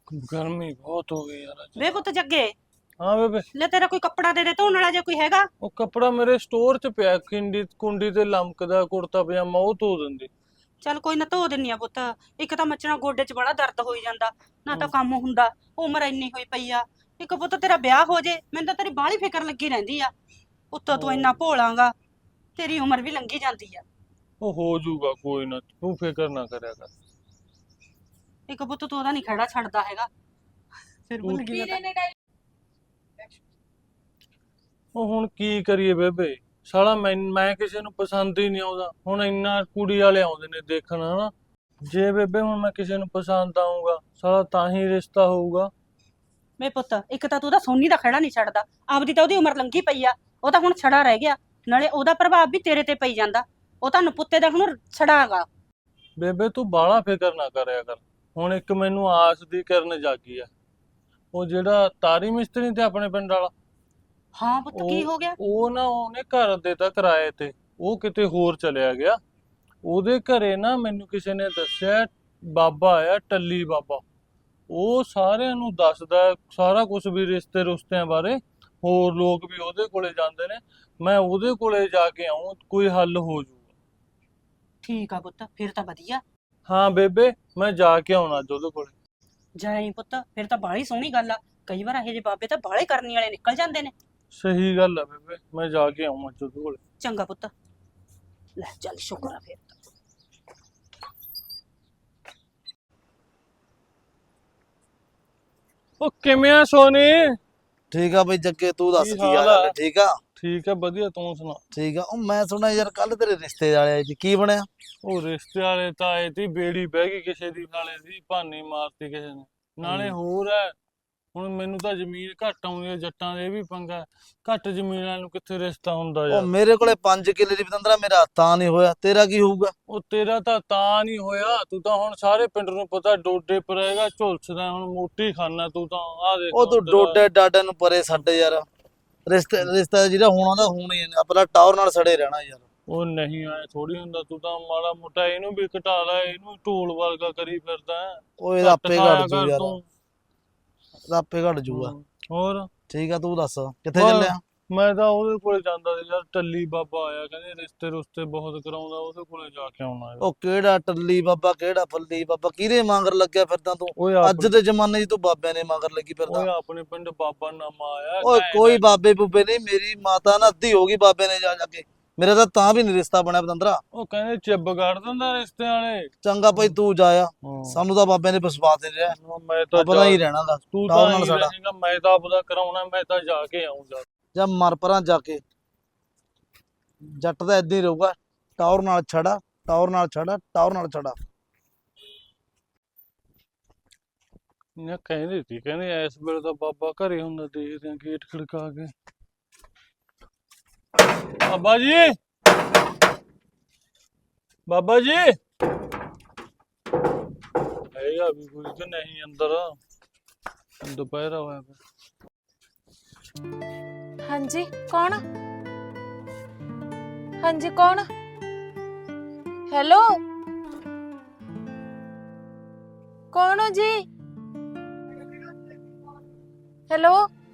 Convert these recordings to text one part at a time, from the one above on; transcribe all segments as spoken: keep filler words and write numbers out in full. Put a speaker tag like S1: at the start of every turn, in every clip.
S1: गर्मी बहुत हो गई यार आज।
S2: ਵੇ ਪੁੱਤ ਜੱਗੇ
S1: हाँ बेबे।
S2: ਲੈ ਤੇਰਾ ਕੋਈ ਕੱਪੜਾ ਦੇ ਦੇ ਧੋਣ ਵਾਲਾ ਜੇ ਕੋਈ ਹੈਗਾ।
S1: ਉਹ ਕੱਪੜਾ ਮੇਰੇ ਸਟੋਰ 'ਚ ਪਿਆ, ਕਿੰਡੀ ਕੁੰਡੀ ਤੇ ਲਮਕਦਾ ਕੁੜਤਾ ਪਜਾਮਾ, ਉਹ ਧੋ ਦਿੰਦੀ।
S2: ਚੱਲ ਕੋਈ ਨਾ ਧੋ ਦਿੰਨੀ ਆ ਪੁੱਤ। ਇੱਕ ਤਾਂ ਮੱਚਣਾ ਗੋਡੇ 'ਚ ਬੜਾ ਦਰਦ ਹੋਈ ਜਾਂਦਾ, ਨਾ ਤਾਂ ਕੰਮ ਹੁੰਦਾ, ਉਮਰ ਇੰਨੀ ਹੋਈ ਪਈ ਆ। ਇੱਕ ਪੁੱਤ ਤੇਰਾ ਵਿਆਹ ਹੋ ਜੇ, ਮੈਨੂੰ ਤਾਂ ਤੇਰੀ ਬਾਹਲੀ ਫਿਕਰ ਲੱਗੀ ਰਹਿੰਦੀ ਆ। ਉੱਤੋਂ ਤੂੰ ਇੰਨਾ ਭੋਲਾਂਗਾ, ਤੇਰੀ ਉਮਰ ਵੀ ਲੰਘੀ ਜਾਂਦੀ ਆ।
S1: ਉਹ ਹੋ ਜਾਊਗਾ, ਕੋਈ ਨਾ, ਤੂੰ ਫਿਕਰ ਨਾ ਕਰਿਆ ਕਰ।
S2: ਇੱਕ ਪੁੱਤ ਤੂੰ ਉਹਦਾ ਨਹੀਂ ਖੜਾ ਛੱਡਦਾ ਹੈਗਾ। ਫਿਰ ਭੁੱਲ ਗਈ ਮੈਂ ਤਾਂ।
S1: ਉਹ ਹੁਣ ਕੀ ਕਰੀਏ ਬੇਬੇ, ਸਾਲਾ ਮੈਂ ਮੈਂ ਕਿਸੇ ਨੂੰ ਪਸੰਦ ਹੀ ਨਹੀਂ ਆਉਂਦਾ। ਹੁਣ ਇੰਨਾ ਕੁੜੀ ਵਾਲੇ ਆਉਂਦੇ ਨੇ ਦੇਖਣ, ਹਨਾ। ਜੇ ਬੇਬੇ ਹੁਣ ਮੈਂ ਕਿਸੇ ਨੂੰ ਪਸੰਦ ਆਊਂਗਾ, ਸਾਲਾ ਤਾਂ ਹੀ ਰਿਸ਼ਤਾ ਹੋਊਗਾ।
S2: ਮੇ ਪੁੱਤ ਇੱਕ ਤਾਂ ਤੂੰ ਉਹਦਾ ਸੋਨੀ ਦਾ ਖੜਾ ਨਹੀਂ ਛੱਡਦਾ, ਆਪਦੀ ਤਾਂ ਉਹਦੀ ਉਮਰ ਲੰਘੀ ਪਈ ਆ, ਉਹ ਤਾਂ ਹੁਣ ਛੜਾ ਰਹਿ ਗਿਆ, ਨਾਲੇ ਉਹਦਾ ਪ੍ਰਭਾਵ ਵੀ ਤੇਰੇ ਤੇ ਪਈ ਜਾਂਦਾ। ਉਹ ਤਾਂ ਨਪੁੱਤੇ ਦਾ ਹੁਣ ਛੜਾਗਾ।
S1: ਬੇਬੇ ਤੂੰ ਬਾਹਲਾ ਫਿਕਰ ਨਾ ਕਰਿਆ ਕਰ। ਹੁਣ ਇੱਕ ਮੈਨੂੰ ਆਸ ਦੀ ਕਿਰਨ ਜਾਗੀ ਆ। ਉਹ ਜਿਹੜਾ ਤਾਰੀ ਮਿਸਤਰੀ ਤੇ ਆਪਣੇ ਪਿੰਡ ਵਾਲਾ,
S2: ਹਾਂ ਪੁੱਤ ਕੀ ਹੋ ਗਿਆ?
S1: ਉਹ ਨਾ ਉਹਨੇ ਘਰ ਦੇਤਾ ਕਿਰਾਏ ਤੇ, ਉਹ ਕਿਤੇ ਹੋਰ ਚਲਿਆ ਗਿਆ। ਉਹਦੇ ਘਰੇ ਨਾ ਮੈਨੂੰ ਕਿਸੇ ਨੇ ਦੱਸਿਆ ਬਾਬਾ ਆਇਆ, ਟੱਲੀ ਬਾਬਾ। ਉਹ ਸਾਰਿਆਂ ਨੂੰ ਦੱਸਦਾ ਸਾਰਾ ਕੁਝ, ਵੀ ਰਿਸ਼ਤੇ ਰੁਸ਼ਤਿਆਂ ਬਾਰੇ। ਹੋਰ ਲੋਕ ਵੀ ਉਹਦੇ ਕੋਲੇ ਜਾਂਦੇ ਨੇ। ਮੈਂ ਉਹਦੇ ਕੋਲੇ ਜਾ ਕੇ ਆਉਂ, ਕੋਈ ਹੱਲ ਹੋ ਜਾਊਗਾ।
S2: ਠੀਕ ਆ ਪੁੱਤ, ਫਿਰ ਤਾਂ ਵਧੀਆ।
S1: ਹਾਂ ਬੇਬੇ, ਮੈਂ ਜਾ ਕੇ ਆਉਣਾ ਅੱਜ ਉਹਦੇ ਕੋਲੇ।
S2: ਜਾਈ ਪੁੱਤ, ਫਿਰ ਤਾਂ ਬਾਹਲੀ ਸੋਹਣੀ ਗੱਲ ਆ। ਕਈ ਵਾਰ ਇਹੋ ਜਿਹੇ ਬਾਬੇ ਤਾਂ ਬਾਹਲੇ ਕਰਨੀ ਵਾਲੇ ਨਿਕਲ ਜਾਂਦੇ ਨੇ।
S1: ਸਹੀ ਗੱਲ ਆ ਬੇਬੇ, ਮੈਂ ਜਾ ਕੇ ਆਉਂ ਅੱਜ ਉਹਦੇ ਕੋਲੇ।
S2: ਚੰਗਾ ਪੁੱਤ, ਲੈ ਚੱਲ, ਸ਼ੁਕਰ ਆ ਫਿਰ ਤਾਂ।
S1: ਉਹ ਕਿਵੇਂ ਆ ਸੋਨੀ?
S3: ਠੀਕ ਆ ਬਈ ਜੱਗੇ, ਤੂੰ ਦੱਸ
S1: ਕੀ
S3: ਕੀ
S1: ਹਾਲ
S3: ਹਾਲ
S1: ਆ?
S3: ਹੈ? ਠੀਕ ਆ
S1: ਠੀਕ ਆ, ਵਧੀਆ, ਤੂੰ ਸੁਣਾ।
S3: ਠੀਕ ਆ। ਉਹ ਮੈਂ ਸੁਣਿਆ ਯਾਰ ਕੱਲ ਤੇਰੇ ਰਿਸ਼ਤੇ ਵਾਲੇ ਆਏ ਸੀ, ਕੀ ਬਣਿਆ?
S1: ਉਹ ਰਿਸ਼ਤੇ ਵਾਲੇ ਤਾਂ ਆਏ ਤੀ, ਬੇੜੀ ਬਹਿ ਗਈ ਕਿਸੇ ਦੀ, ਨਾਲੇ ਦੀ ਭਾਨੀ ਮਾਰਤੀ ਕਿਸੇ ਨੇ। ਨਾਲੇ ਹੋਰ ਹੈ, ਹੁਣ ਮੈਨੂੰ ਤਾਂ ਜ਼ਮੀਨ ਘੱਟ ਆਉਂਦੀ ਹੈ, ਜੱਟਾਂ ਦੇ ਇਹ ਵੀ ਪੰਗਾ। ਘੱਟ ਜ਼ਮੀਨ ਵਾਲਿਆਂ ਨੂੰ ਕਿੱਥੇ ਰਿਸ਼ਤਾ ਹੁੰਦਾ
S3: ਉਹ
S1: ਯਾਰ।
S3: ਮੇਰੇ ਕੋਲੇ ਪੰਜ ਕਿੱਲੇ ਦੀ ਪਤੰਦਰਾ, ਮੇਰਾ ਤਾਂ ਨਹੀਂ ਹੋਇਆ, ਤੇਰਾ ਕੀ ਹੋਊਗਾ?
S1: ਉਹ ਤੇਰਾ ਤਾਂ ਤਾਂ ਨਹੀਂ ਹੋਇਆ, ਤੂੰ ਤਾਂ ਹੁਣ ਸਾਰੇ ਪਿੰਡ ਨੂੰ ਪਤਾ ਡੋਡੇ ਪਰੇਗਾ, ਝੁਲਸਦਾ ਹੁਣ ਮੋਟੀ ਖਾਨਾ ਤੂੰ ਤਾਂ। ਆ ਦੇਖ
S3: ਉਹ ਤੂੰ ਡੋਡੇ ਡਾਡੇ ਨੂੰ ਪਰੇ ਛੱਡ ਯਾਰ। ਰਿਸ਼ਤੇ ਰਿਸ਼ਤਾ ਜਿਹੜਾ ਹੋਣਾ ਦਾ ਹੋਣਾ ਹੀ ਹੈ, ਆਪਣਾ ਟਾਵਰ ਨਾਲ ਸੜੇ ਰਹਿਣਾ ਯਾਰ।
S1: ਉਹ ਨਹੀਂ ਆਏ ਥੋੜੀ ਹੁੰਦਾ, ਤੂੰ ਤਾਂ ਮਾੜਾ ਮੋਟਾ ਇਹਨੂੰ ਵੀ ਘਟਾ ਲੈ, ਇਹਨੂੰ ਢੋਲ ਵਰਗਾ ਕਰੀ ਫਿਰਦਾ ਹੈ।
S3: ਉਹ ਇਹਦਾ ਆਪੇ
S1: ਖਾਇਆ
S3: ਘਟ ਜੂ
S1: ਕਰ
S3: ਯਾਰ,
S1: ਤੂੰ।
S3: ਇਹਦਾ ਆਪੇ ਘਟ ਜੂਗਾ।
S1: ਹੋਰ
S3: ਠੀਕ ਆ, ਤੂੰ ਦੱਸ ਕਿੱਥੇ
S1: ਬਸ,
S3: ਚੱਲਿਆ?
S1: ਮੈਂ ਤਾਂ ਉਹਦੇ ਕੋਲੇ ਜਾਂਦਾ ਸੀ ਯਾਰ, ਟੱਲੀ ਬਾਬਾ ਆਇਆ, ਕਹਿੰਦੇ ਰਿਸ਼ਤੇ ਰੁਸ਼ਤੇ ਬਹੁਤ ਕਰਾਉਂਦਾ, ਉਹਦੇ ਕੋਲੇ ਜਾ ਕੇ ਆਉਣਾ ਹੈ।
S3: ਉਹ ਕਿਹੜਾ ਟੱਲੀ ਬਾਬਾ, ਕਿਹੜਾ ਫੱਲੀ ਬਾਬਾ, ਕਿਹਦੇ ਮੰਗਰ ਲੱਗਿਆ ਫਿਰਦਾ ਤੂੰ?
S1: ਓਏ
S3: ਅੱਜ
S1: ਆਪਣੇ
S3: ਦੇ ਜ਼ਮਾਨੇ 'ਚ ਤੂੰ ਬਾਬਿਆਂ ਨੇ ਮੰਗਰ ਲੱਗੀ
S1: ਓਏ
S3: ਫਿਰਦਾ।
S1: ਆਪਣੇ ਪਿੰਡ ਬਾਬਾ ਨਾਮਾ ਆਇਆ।
S3: ਓਏ
S1: ਘੈਂਟ
S3: ਕੋਈ
S1: ਹੈ।
S3: ਬਾਬੇ ਬੁੱਬੇ ਨਹੀਂ, ਮੇਰੀ ਮਾਤਾ ਨਾ ਅੱਧੀ ਹੋ ਗਈ ਬਾਬੇ ਨੇ ਜਾ ਜਾ ਕੇ। ਮੇਰਾ ਤਾਂ ਤਾਂ ਵੀ ਨੀ ਰਿਸ਼ਤਾ ਬਣਿਆ ਪਤੰਦਰਾ।
S1: ਉਹ ਕਹਿੰਦੇ ਚਿੱਬ ਕੱਢ ਦਿੰਦਾ ਰਿਸ਼ਤੇ ਵਾਲੇ।
S3: ਚੰਗਾ ਭਾਈ ਤੂੰ ਜਾਇਆ,
S1: ਹਾਂ।
S3: ਸਾਨੂੰ ਤਾਂ ਬਾਬੇ ਨੇ ਵਿਸ਼ਵਾਸ ਨਹੀਂ ਰਿਹਾ,
S1: ਮੈਂ ਤਾਂ
S3: ਆਪਣਾ ਹੀ ਰਹਿਣਾ ਦਾ
S1: ਤੂੰ
S3: ਟਾਵਰ
S1: ਤਾਂ
S3: ਨਾਲ
S1: ਹੀ
S3: ਸਾਡਾ।
S1: ਰਹੇਗਾ, ਮੈਂ ਤਾਂ ਆਪਦਾ ਕਰਾਉਣਾ, ਮੈਂ ਤਾਂ ਜਾ ਕੇ ਆਉਂਗਾ।
S3: ਜਾਂ ਮਰ ਪਰਾਂ ਜਾ ਕੇ, ਜੱਟ ਦਾ ਏਦਾਂ ਹੀ ਰਹੂਗਾ, ਟਾਵਰ ਨਾਲ ਛੜਾ, ਟਾਵਰ ਨਾਲ ਛੜਾ, ਟਾਵਰ ਨਾਲ ਛੜਾ।
S1: ਨਾ ਕਹਿੰਦੇ ਸੀ, ਕਹਿੰਦੇ ਇਸ ਵੇਲੇ ਤਾਂ ਬਾਬਾ ਘਰੇ ਹੁੰਦਾ, ਦੇਖਦੇ ਆ ਗੇਟ ਖੜਕਾ ਕੇ। ਬਾਬਾ ਜੀ, ਬਾਬਾ ਜੀ ਹੈਗਾ ਵੀ ਕੋਈ ਕਿ ਨਹੀਂ ਅੰਦਰ? ਦੁਪਹਿਰਾ ਹੋਇਆ ਪਿਆ।
S4: ਹਾਂਜੀ ਕੌਣ? ਹਾਂਜੀ ਕੌਣ? ਹੈਲੋ ਕੌਣ ਹੋ ਜੀ? ਹੈਲੋ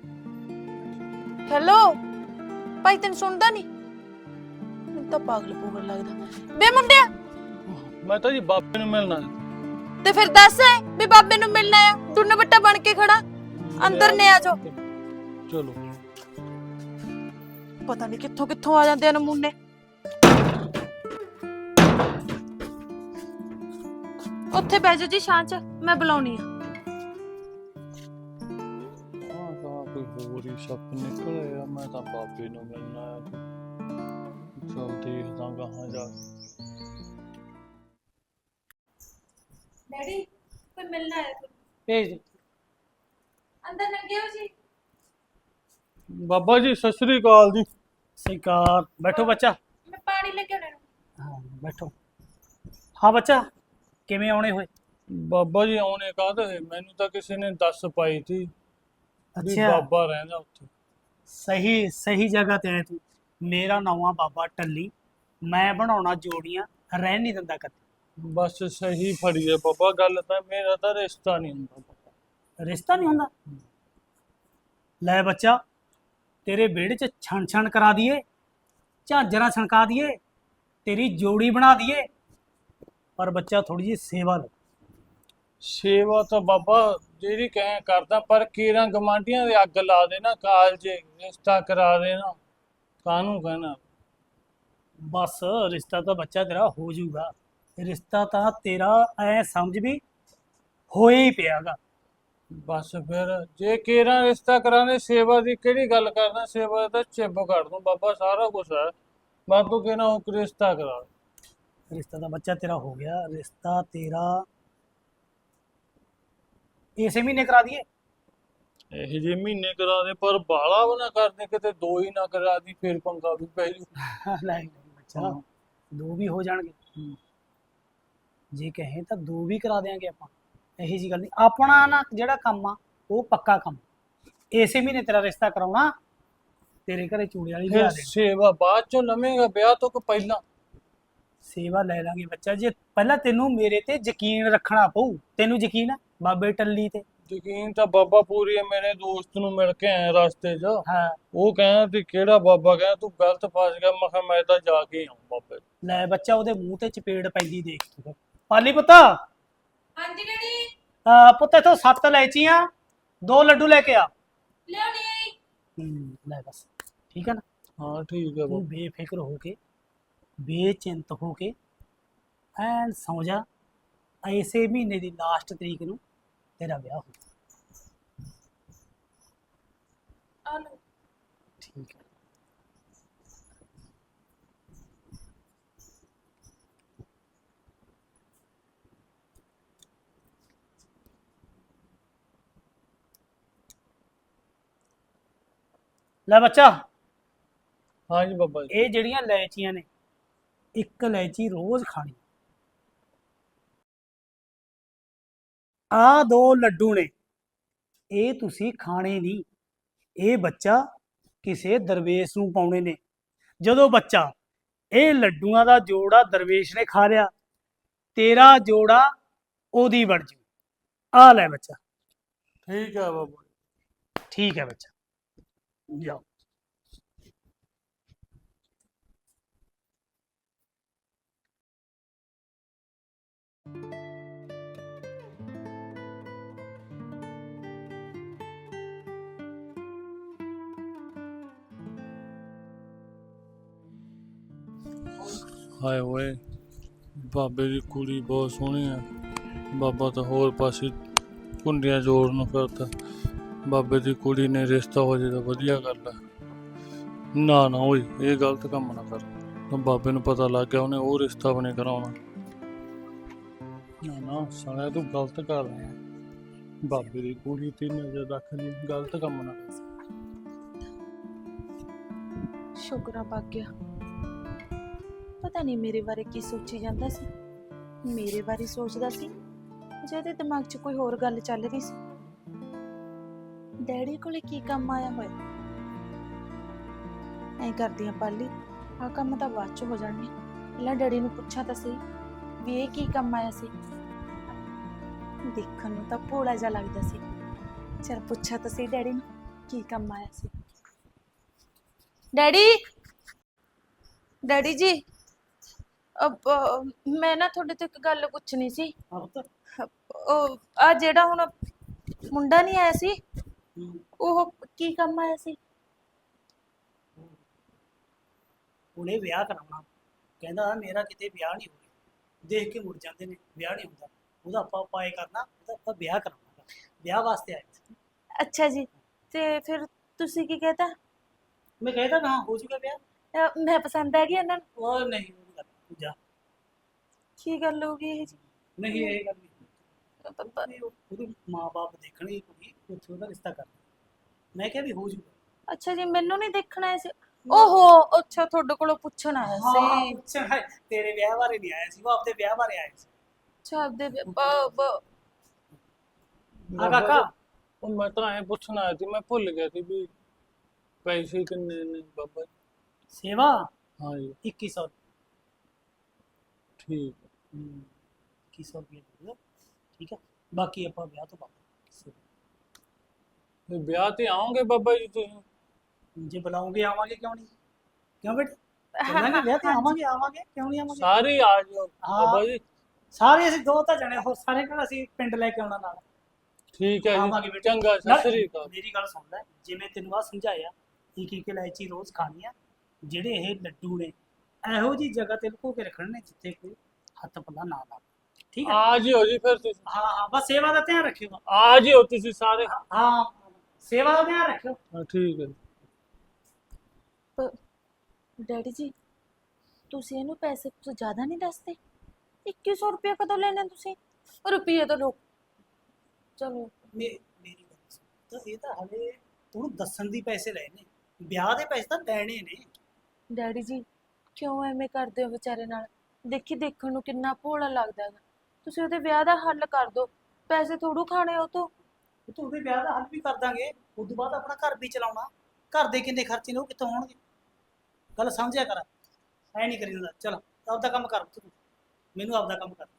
S4: ਹੈਲੋ ਭਾਈ, ਤੈਨੂੰ ਸੁਣਦਾ ਨਹੀਂ? ਮੈਨੂੰ ਤਾਂ ਪਾਗਲ ਪੂਗਲ ਲੱਗਦਾ ਬੇ ਮੁੰਡਿਆ।
S1: ਮੈਂ ਤਾਂ ਜੀ ਬਾਬੇ ਨੂੰ ਮਿਲਣਾ ਸੀ।
S4: ਤੇ ਫਿਰ ਦੱਸ ਵੀ ਬਾਬੇ ਨੂੰ ਮਿਲਣਾ ਆ, ਟੁੰਨ ਬੱਟਾ ਬਣ ਕੇ ਖੜਾ ਅੰਦਰ ਨੇ ਆ ਜਾਓ।
S1: ਚਲੋ,
S4: ਪਤਾ ਨਹੀਂ ਕਿੱਥੋਂ ਕਿੱਥੋਂ ਆ ਜਾਂਦੇ ਆ ਨਮੂਨੇ। ਉੱਥੇ ਬਹਿ ਜਾਓ ਜੀ ਛਾਂ 'ਚ, ਮੈਂ ਬੁਲਾਉਣੀ ਆ।
S1: ਹਾਂ ਤਾਂ ਕੋਈ ਹੋਰ ਹੀ ਸੱਪ ਨਿਕਲਿਆ, ਮੈਂ ਤਾਂ ਬਾਬੇ ਨੂੰ ਮਿਲਣਾ ਆ। ਚਲ ਦੇਖਦਾ ਕਹਾਂ ਜਾ ਕੇ।
S4: ਡੈਡੀ ਕੋਈ ਮਿਲਣਾ ਹੈ,
S1: ਭੇਜ
S4: ਅੰਦਰ ਲੰਘੇ ਹੋ ਜੀ।
S1: ਬਾਬਾ ਜੀ, ਸਤਿ ਸ੍ਰੀ ਅਕਾਲ ਜੀ।
S5: श्रीकार बैठो बच्चा।
S4: ਮੈਂ ਪਾਣੀ ਲੈ ਕੇ ਆਉਣਾ।
S5: हाँ बैठो। हाँ बच्चा, किवें आउणे होए?
S1: ਬਾਬਾ ਜੀ ਆਉਣੇ ਕਾਹਦੇ, ਮੈਨੂੰ ਤਾਂ ਕਿਸੇ ਨੇ ਦੱਸ ਪਾਈ ਸੀ ਵੀ
S5: अच्छा
S1: ਬਾਬਾ ਰਹਿੰਦਾ ਉੱਥੇ।
S5: सही सही जगह ते आए तू। मेरा नाम आ बाबा टल्ली, मैं बनाउणा जोड़ियां, रहन नहीं दिंदा कदे।
S1: ਬਸ ਸਹੀ ਫੜੀ ਹੈ ਬਾਬਾ, ਗੱਲ ਤਾਂ ਮੇਰਾ ਤਾਂ ਰਿਸ਼ਤਾ ਨਹੀਂ ਹੁੰਦਾ ਬਾਬਾ।
S5: ਰਿਸ਼ਤਾ ਨਹੀਂ ਹੁੰਦਾ? ਲੈ ਬੱਚਾ, ਤੇਰੇ ਵਿਹੜੇ 'ਚ ਛਣ ਛਣ ਕਰਾ ਦਈਏ, ਝਾਂਜਰਾਂ ਛਣਕਾ ਦਈਏ, ਤੇਰੀ ਜੋੜੀ ਬਣਾ ਦਈਏ, ਪਰ ਬੱਚਾ ਥੋੜੀ ਜਿਹੀ ਸੇਵਾ ਲੈ।
S1: ਸੇਵਾ ਤਾਂ ਬਾਬਾ ਜਿਹੜੀ ਕਹਿ ਕਰਦਾ, ਪਰ ਕੀਰਾਂ ਗਮਾਂਡੀਆਂ ਦੇ ਅੱਗ ਲਾ ਦੇਣਾ, ਕਾਲਜੇ ਰਿਸ਼ਤਾ ਕਰਾ ਦੇਣਾ, ਕਾਹਨੂੰ ਕਹਿਣਾ।
S5: ਬਸ ਰਿਸ਼ਤਾ ਤਾਂ ਬੱਚਾ ਤੇਰਾ ਹੋ ਜਾਊਗਾ। ਰਿਸ਼ਤਾ ਤਾਂ ਤੇਰਾ ਐ ਸਮਝ ਵੀ ਹੋਇਆ ਹੀ ਪਿਆਗਾ।
S1: ਬਸ ਫਿਰ ਜੇ ਕੀਰਾਂ ਰਿਸ਼ਤਾ ਕਰਾਣੇ, ਸੇਵਾ ਦੀ ਕਿਹੜੀ ਗੱਲ ਕਰਦਾ, ਸੇਵਾ ਤਾਂ ਚਿੱਬ ਕਰ ਦੂੰ ਬਾਬਾ, ਸਾਰਾ ਕੁਛ ਹੈ। ਬਸ ਤੂੰ ਕਹਿਣਾ ਉਹ ਰਿਸ਼ਤਾ ਕਰਾ।
S5: ਰਿਸ਼ਤਾ ਤਾਂ ਬੱਚਾ ਤੇਰਾ ਹੋ ਗਿਆ। ਰਿਸ਼ਤਾ ਤੇਰਾ ਇਸੇ ਮਹੀਨੇ ਕਰਾ ਦਈਏ।
S1: ਇਹ ਜੇ ਮਹੀਨੇ ਕਰਾ ਦੇ, ਪਰ ਬਾਲਾ ਵੀ ਨਾ ਕਰਦੇ, ਕਿਤੇ ਦੋ ਹੀ ਨਾ ਕਰਾ ਦੀ, ਫਿਰ ਪੰਗਾ ਵੀ ਪੈ ਜੂ।
S5: ਲੈ ਬੱਚਾ, ਦੋ ਵੀ ਹੋ ਜਾਣਗੇ। ਜੇ ਕਹੇ ਤਾਂ ਦੋ ਵੀ ਕਰਾ ਦਿਆਂਗੇ ਆਪਾਂ, ਇਹੀ ਜੀ ਗੱਲ ਨਹੀਂ। ਆਪਣਾ ਨਾ ਜਿਹੜਾ ਕੰਮ ਆ ਉਹ ਪੱਕਾ ਕੰਮ। ਇਸੇ ਮਹੀਨੇ ਤੇਰਾ ਰਿਸ਼ਤਾ ਕਰਾਉਣਾ, ਤੇਰੇ ਘਰੇ ਚੂੜੇ ਵਾਲੀ ਲਿਆ
S1: ਫਿਰ
S5: ਦੇ।
S1: ਸੇਵਾ ਬਾਅਦ ਚੋਂ ਲਵੇਂਗਾ, ਵਿਆਹ ਤੋਂ ਕਿ ਪਹਿਲਾਂ?
S5: ਸੇਵਾ ਲੈ ਲਾਂਗੇ ਬੱਚਾ। ਜੇ ਪਹਿਲਾਂ ਤੈਨੂੰ ਮੇਰੇ ਤੇ ਯਕੀਨ ਰੱਖਣਾ ਪਊ। ਤੈਨੂੰ ਯਕੀਨ ਆ ਬਾਬੇ ਟੱਲੀ ਤੇ?
S1: ਯਕੀਨ ਤਾਂ ਬਾਬਾ ਪੂਰੀ ਹੈ। ਮੇਰੇ ਦੋਸਤ ਨੂੰ ਮਿਲ ਕੇ ਆਇਆ ਰਸਤੇ 'ਚ,
S5: ਹਾਂ
S1: ਉਹ ਕਹਿੰਦਾ ਵੀ ਕਿਹੜਾ ਬਾਬਾ, ਕਹਿੰਦਾ ਤੂੰ ਗਲਤ ਫਸ ਗਿਆ। ਮੈਂ ਕਿਹਾ ਮੈਂ ਤਾਂ ਜਾ ਕੇ ਆਉਂ ਬਾਬੇ।
S5: ਲੈ ਬੱਚਾ, ਉਹਦੇ ਮੂੰਹ ਤੇ ਚਪੇੜ ਪੈਂਦੀ ਦੇਖ ਤੂੰ। ਪਾਲੀ ਪੁੱਤਾ।
S6: ਹਾਂਜੀ ਡੈਡੀ।
S5: ਆ ਪੁੱਤ ਇਥੋਂ ਸੱਤ ਲੈਚੀਆਂ, ਦੋ ਲੱਡੂ ਲੈ ਕੇ ਆ।
S6: ਲਿਆਉਣੀ ਆਈ।
S5: ਹੂੰ ਲੈ ਬਸ, ਠੀਕ ਹੈ ਨਾ?
S1: ਹਾਂ ਠੀਕ ਹੈ
S5: ਤੂੰ
S1: ਬਾਬਾ।
S5: ਬੇਫਿਕਰ ਹੋ ਕੇ, ਬੇਚਿੰਤ ਹੋ ਕੇ ਐਨ ਸੌਂ ਜਾ। ਇਸੇ ਮਹੀਨੇ ਦੀ ਲਾਸਟ ਤਰੀਕ ਨੂੰ ਤੇਰਾ ਵਿਆਹ ਹੋ।
S6: ਆ ਲਓ।
S5: ਠੀਕ ਹੈ। ਲੈ ਬੱਚਾ,
S1: ਹਾਂ ਜੀ ਬਾਬਾ ਜੀ।
S5: ਇਹ ਜਿਹੜੀਆਂ ਇਲਾਇਚੀਆਂ ਨੇ, ਇੱਕ ਇਲਾਇਚੀ ਰੋਜ਼ ਖਾਣੀ। ਆ ਦੋ ਲੱਡੂ ਨੇ, ਇਹ ਤੁਸੀਂ ਖਾਣੇ ਨਹੀਂ। ਇਹ ਬੱਚਾ ਕਿਸੇ ਦਰਵੇਸ਼ ਨੂੰ ਪਾਉਣੇ ਨੇ। ਜਦੋਂ ਬੱਚਾ ਇਹ ਲੱਡੂਆਂ ਦਾ ਜੋੜਾ ਦਰਵੇਸ਼ ਨੇ ਖਾ ਲਿਆ, ਤੇਰਾ ਜੋੜਾ ਉਹਦੀ ਬਣ ਜੂ। ਆ ਲੈ ਬੱਚਾ।
S1: ਠੀਕ ਹੈ ਬਾਬਾ।
S5: ਠੀਕ ਹੈ ਬੱਚਾ, ਜਾਓ।
S1: ਹਾਏ ਓਏ, ਬਾਬੇ ਦੀ ਕੁੜੀ ਬਹੁਤ ਸੋਹਣੀ ਆ। ਬਾਬਾ ਤਾਂ ਹੋਰ ਪਾਸੇ ਕੁੰਡੀਆਂ ਜੋੜਨ ਨੂੰ ਫਿਰਦਾ। ਬਾਬੇ ਦੀ ਕੁੜੀ ਨੇ ਰਿਸ਼ਤਾ ਹੋ ਜੇ ਤਾਂ ਵਧੀਆ ਗੱਲ ਆ। ਨਾ ਨਾ ਓਏ, ਇਹ ਗਲਤ ਕੰਮ ਨਾ ਕਰ। ਬਾਬੇ ਨੂੰ ਪਤਾ ਲੱਗ ਗਿਆ, ਉਹਨੇ ਉਹ ਰਿਸ਼ਤਾ ਵੀ ਨਹੀਂ ਕਰਾਉਣਾ। ਨਾ ਨਾ ਸਾਲਿਆ, ਤੂੰ ਗਲਤ ਕਰ ਰਿਹਾ। ਬਾਬੇ ਦੀ ਕੁੜੀ ਤੇ ਨਜ਼ਰ ਰੱਖ ਲਈ, ਗਲਤ ਕੰਮ ਨਾ ਕਰ।
S4: ਸ਼ੁਕਰਾ ਪੱਕ ਗਿਆ। ਪਤਾ ਨਹੀਂ ਮੇਰੇ ਬਾਰੇ ਕੀ ਸੋਚੀ ਜਾਂਦਾ ਸੀ। ਮੇਰੇ ਬਾਰੇ ਸੋਚਦਾ ਸੀ ਜਾਂ ਇਹਦੇ ਦਿਮਾਗ 'ਚ ਕੋਈ ਹੋਰ ਗੱਲ ਚੱਲ ਰਹੀ ਸੀ। ਡੈਡੀ ਕੋਲੇ ਕੀ ਕੰਮ ਆਇਆ ਹੋਇਆ? ਐ ਕਰਦੀ ਆ ਪਾਲੀ, ਆਹ ਕੰਮ ਤਾਂ ਬਾਅਦ 'ਚ ਹੋ ਜਾਣਗੇ। ਪਹਿਲਾਂ ਡੈਡੀ ਨੂੰ ਪੁੱਛਾਂ ਤਾਂ ਸਹੀ ਵੀ ਇਹ ਕੀ ਕੰਮ ਆਇਆ ਸੀ। ਦੇਖਣ ਨੂੰ ਤਾਂ ਭੋਲਾ ਜਿਹਾ ਲੱਗਦਾ ਸੀ। ਚਲ ਪੁੱਛਾਂ ਤਾਂ ਸਹੀ ਡੈਡੀ ਨੂੰ ਕੀ ਕੰਮ ਆਇਆ ਸੀ। ਡੈਡੀ, ਡੈਡੀ ਜੀ, ਅਬ ਮੈਂ ਨਾ ਤੁਹਾਡੇ ਤੋਂ ਇੱਕ ਗੱਲ ਪੁੱਛਣੀ ਸੀ। ਉਹ ਆ ਜਿਹੜਾ ਹੁਣ ਮੁੰਡਾ ਨਹੀਂ ਆਇਆ ਸੀ, ਉਹ ਕੀ ਕੰਮ ਆਇਆ ਸੀ?
S5: ਉਹਨੇ ਵਿਆਹ ਕਰਾਉਣਾ। ਕਹਿੰਦਾ ਮੇਰਾ ਕਿਤੇ ਵਿਆਹ ਨਹੀਂ ਹੋ ਰਿਹਾ। ਦੇਖ ਕੇ ਮੁੜ ਜਾਂਦੇ ਨੇ, ਵਿਆਹ ਨਹੀਂ ਹੁੰਦਾ। ਉਹਦਾ ਆਪਾਂ ਪਾਏ ਕਰਨਾ, ਉਹਦਾ ਆਪਾਂ ਵਿਆਹ ਕਰਾਉਣਾ। ਵਿਆਹ ਵਾਸਤੇ ਆਏ ਸੀ।
S4: ਅੱਛਾ ਜੀ, ਤੇ ਫਿਰ ਤੁਸੀਂ ਕੀ ਕਹਤਾ?
S5: ਮੈਂ ਕਹਿੰਦਾ ਨਾ ਹੋ ਜੂਗਾ ਵਿਆਹ।
S4: ਅਹ ਮੈਂ ਪਸੰਦ ਆ ਗਈ ਇਹਨਾਂ ਨੂੰ।
S5: ਉਹ ਨਹੀਂ, ਉਹ ਗੱਲ ਤੂੰ ਜਾ।
S4: ਕੀ ਗੱਲ ਹੋ ਗਈ ਇਹ ਜੀ?
S5: ਨਹੀਂ ਇਹ ਗੱਲ ਨਹੀਂ। ਉਹਦੇ ਮਾਂ-ਬਾਪ ਦੇਖਣਗੇ ਕੁੜੀ, ਉੱਥੇ ਉਹਦਾ ਰਿਸ਼ਤਾ ਕਰਨਾ। ਮੈਂ ਕਿਹਾ ਵੀ ਹੋ ਜੂਗਾ।
S4: ਅੱਛਾ ਜੀ, ਮੈਨੂੰ ਨਹੀਂ ਦੇਖਣਾ ਆਇਆ ਸੀ। ਓਹੋ, ਅੱਛਾ ਤੁਹਾਡੇ ਕੋਲੋਂ ਪੁੱਛਣ ਆਇਆ ਸੀ।
S5: ਅੱਛਾ, ਤੇਰੇ ਵਿਆਹ ਬਾਰੇ ਨਹੀਂ ਆਇਆ ਸੀ, ਉਹ ਆਪਣੇ ਵਿਆਹ ਬਾਰੇ ਆਇਆ ਸੀ।
S4: ਅੱਛਾ ਆਪਦੇ ਬ- ਬ-
S5: ਆ ਕਾਕਾ,
S1: ਉਹ ਮੈਂ ਤਾਂ ਐ ਪੁੱਛਣ ਆਇਆ ਸੀ, ਮੈਂ ਭੁੱਲ ਗਿਆ ਸੀ ਵੀ ਪੈਸੇ ਕਿੰਨੇ ਨੇ ਬਾਬਾ ਜੀ?
S5: ਸੇਵਾ
S1: ਹਾਂ ਜੀ।
S5: ਇੱਕੀ ਸੌ।
S1: ਠੀਕ
S5: ਇੱਕੀ ਸੌ ਰੁਪਏ ਦੇ ਦਿਓ, ਠੀਕ ਹੈ। ਬਾਕੀ ਆਪਾਂ ਵਿਆਹ ਤੋਂ ਬਾਅਦ।
S1: ਵੀ ਵਿਆਹ ਤੇ ਆਓਗੇ ਬਾਬਾ ਜੀ ਤੁਸੀਂ?
S5: ਜੇ ਬੁਲਾਉਂਗੇ ਆਵਾਂਗੇ, ਕਿਉਂ ਨਹੀਂ? ਕਿਉਂ ਬੇਟੇ? ਚੱਲਾਂਗੇ ਵਿਆਹ ਤੇ, ਆਵਾਂਗੇ ਆਵਾਂਗੇ, ਕਿਉਂ ਨਹੀਂ ਆਵਾਂਗੇ?
S1: ਸਾਰੇ ਆ ਜਾਓ ਬਾਬਾ ਜੀ।
S5: ਸਾਰੇ ਅਸੀਂ ਦੋ ਤਾਂ ਜਣੇ ਹੋਰ, ਸਾਰੇ ਨਾਲ ਅਸੀਂ ਪਿੰਡ ਲੈ ਕੇ ਆਉਣਾ ਨਾਲ।
S1: ਠੀਕ ਹੈ
S5: ਆਵਾਂਗੇ
S1: ਜੀ,
S5: ਬੇਟੇ।
S1: ਚੰਗਾ, ਸਤਿ
S5: ਨਾਲ
S1: ਸ੍ਰੀ ਅਕਾਲ।
S5: ਮੇਰੀ ਗੱਲ ਸੁਣ ਲੈ, ਜਿਵੇਂ ਤੈਨੂੰ ਆ ਸਮਝਾਇਆ, ਇੱਕ ਇੱਕ ਇਲਾਇਚੀ ਰੋਜ਼ ਖਾਣੀ ਆ। ਜਿਹੜੇ ਇਹ ਲੱਡੂ ਨੇ, ਇਹੋ ਜੀ ਜਗ੍ਹਾ ਤੇ ਲੁਕੋ ਕੇ ਰੱਖਣੇ ਨੇ ਜਿੱਥੇ ਕੋਈ ਹੱਥ ਪੱਲਾ ਨਾ ਲਾ। ਠੀਕ ਹੈ?
S1: ਆ ਜਿਓ ਜੀ ਫਿਰ ਤੁਸੀਂ,
S5: ਹਾਂ ਹਾਂ, ਬਸ ਸੇਵਾ ਦਾ ਧਿਆਨ ਰੱਖਿਓ।
S1: ਆ ਜਿਓ ਤੁਸੀਂ ਸਾਰੇ।
S5: ਹਾਂ, ਸੇਵਾ ਦਾ ਧਿਆਨ ਰੱਖਿਓ।
S1: ਹਾਂ, ਠੀਕ ਹੈ।
S4: ਡੈਡੀ ਜੀ, ਤੁਸੀਂ ਇਹਨੂੰ ਪੈਸੇ ਕੁਝ ਜ਼ਿਆਦਾ ਨਹੀਂ ਦੱਸਦੇ? ਇੱਕੀ ਸੌ ਰੁਪਏ ਕਦੋਂ ਲੈਣੇ ਤੁਸੀਂ? ਰੁਪਏ ਤਾਂ ਲੋ। ਚਲੋ
S5: ਮੇ- ਮੇਰੀ ਗੱਲ ਸੁਣ, ਤਾਂ ਇਹ ਤਾਂ ਹਲੇ ਉਹਨੂੰ ਦੱਸਣ ਦੀ ਪੈਸੇ ਲਏ ਨੇ, ਵਿਆਹ ਦੇ ਪੈਸੇ ਤਾਂ ਲੈਣੇ ਨੇ।
S4: ਡੈਡੀ ਜੀ, ਕਿਉਂ ਐਵੇਂ ਕਰਦੇ ਹੋ ਵਿਚਾਰੇ ਨਾਲ? ਦੇਖੀ ਦੇਖਣ ਨੂੰ ਕਿੰਨਾ ਭੋਲਾ ਲੱਗਦਾ ਹੈਗਾ। ਤੁਸੀਂ ਉਹਦੇ ਵਿਆਹ ਦਾ ਹੱਲ ਕਰ ਦਿਓ, ਪੈਸੇ ਥੋੜੂ ਖਾਣੇ ਉਹ ਤੋਂ।
S5: ਉਹ ਤਾਂ ਉਹਦੇ ਵਿਆਹ ਦਾ ਹੱਲ ਵੀ ਕਰ ਦਾਂਗੇ, ਉਸ ਤੋਂ ਬਾਅਦ ਆਪਣਾ ਘਰ ਵੀ ਚਲਾਉਣਾ। ਘਰ ਦੇ ਕਿੰਨੇ ਖਰਚੇ ਨੇ, ਉਹ ਕਿੱਥੋਂ ਹੋਣਗੇ? ਗੱਲ ਸਮਝਿਆ ਕਰ, ਐ ਨਹੀਂ ਕਰੀ ਜਾਂਦਾ। ਚਲ ਆਪਦਾ ਕੰਮ ਕਰ ਤੂੰ, ਮੈਨੂੰ ਆਪਦਾ ਕੰਮ ਕਰ।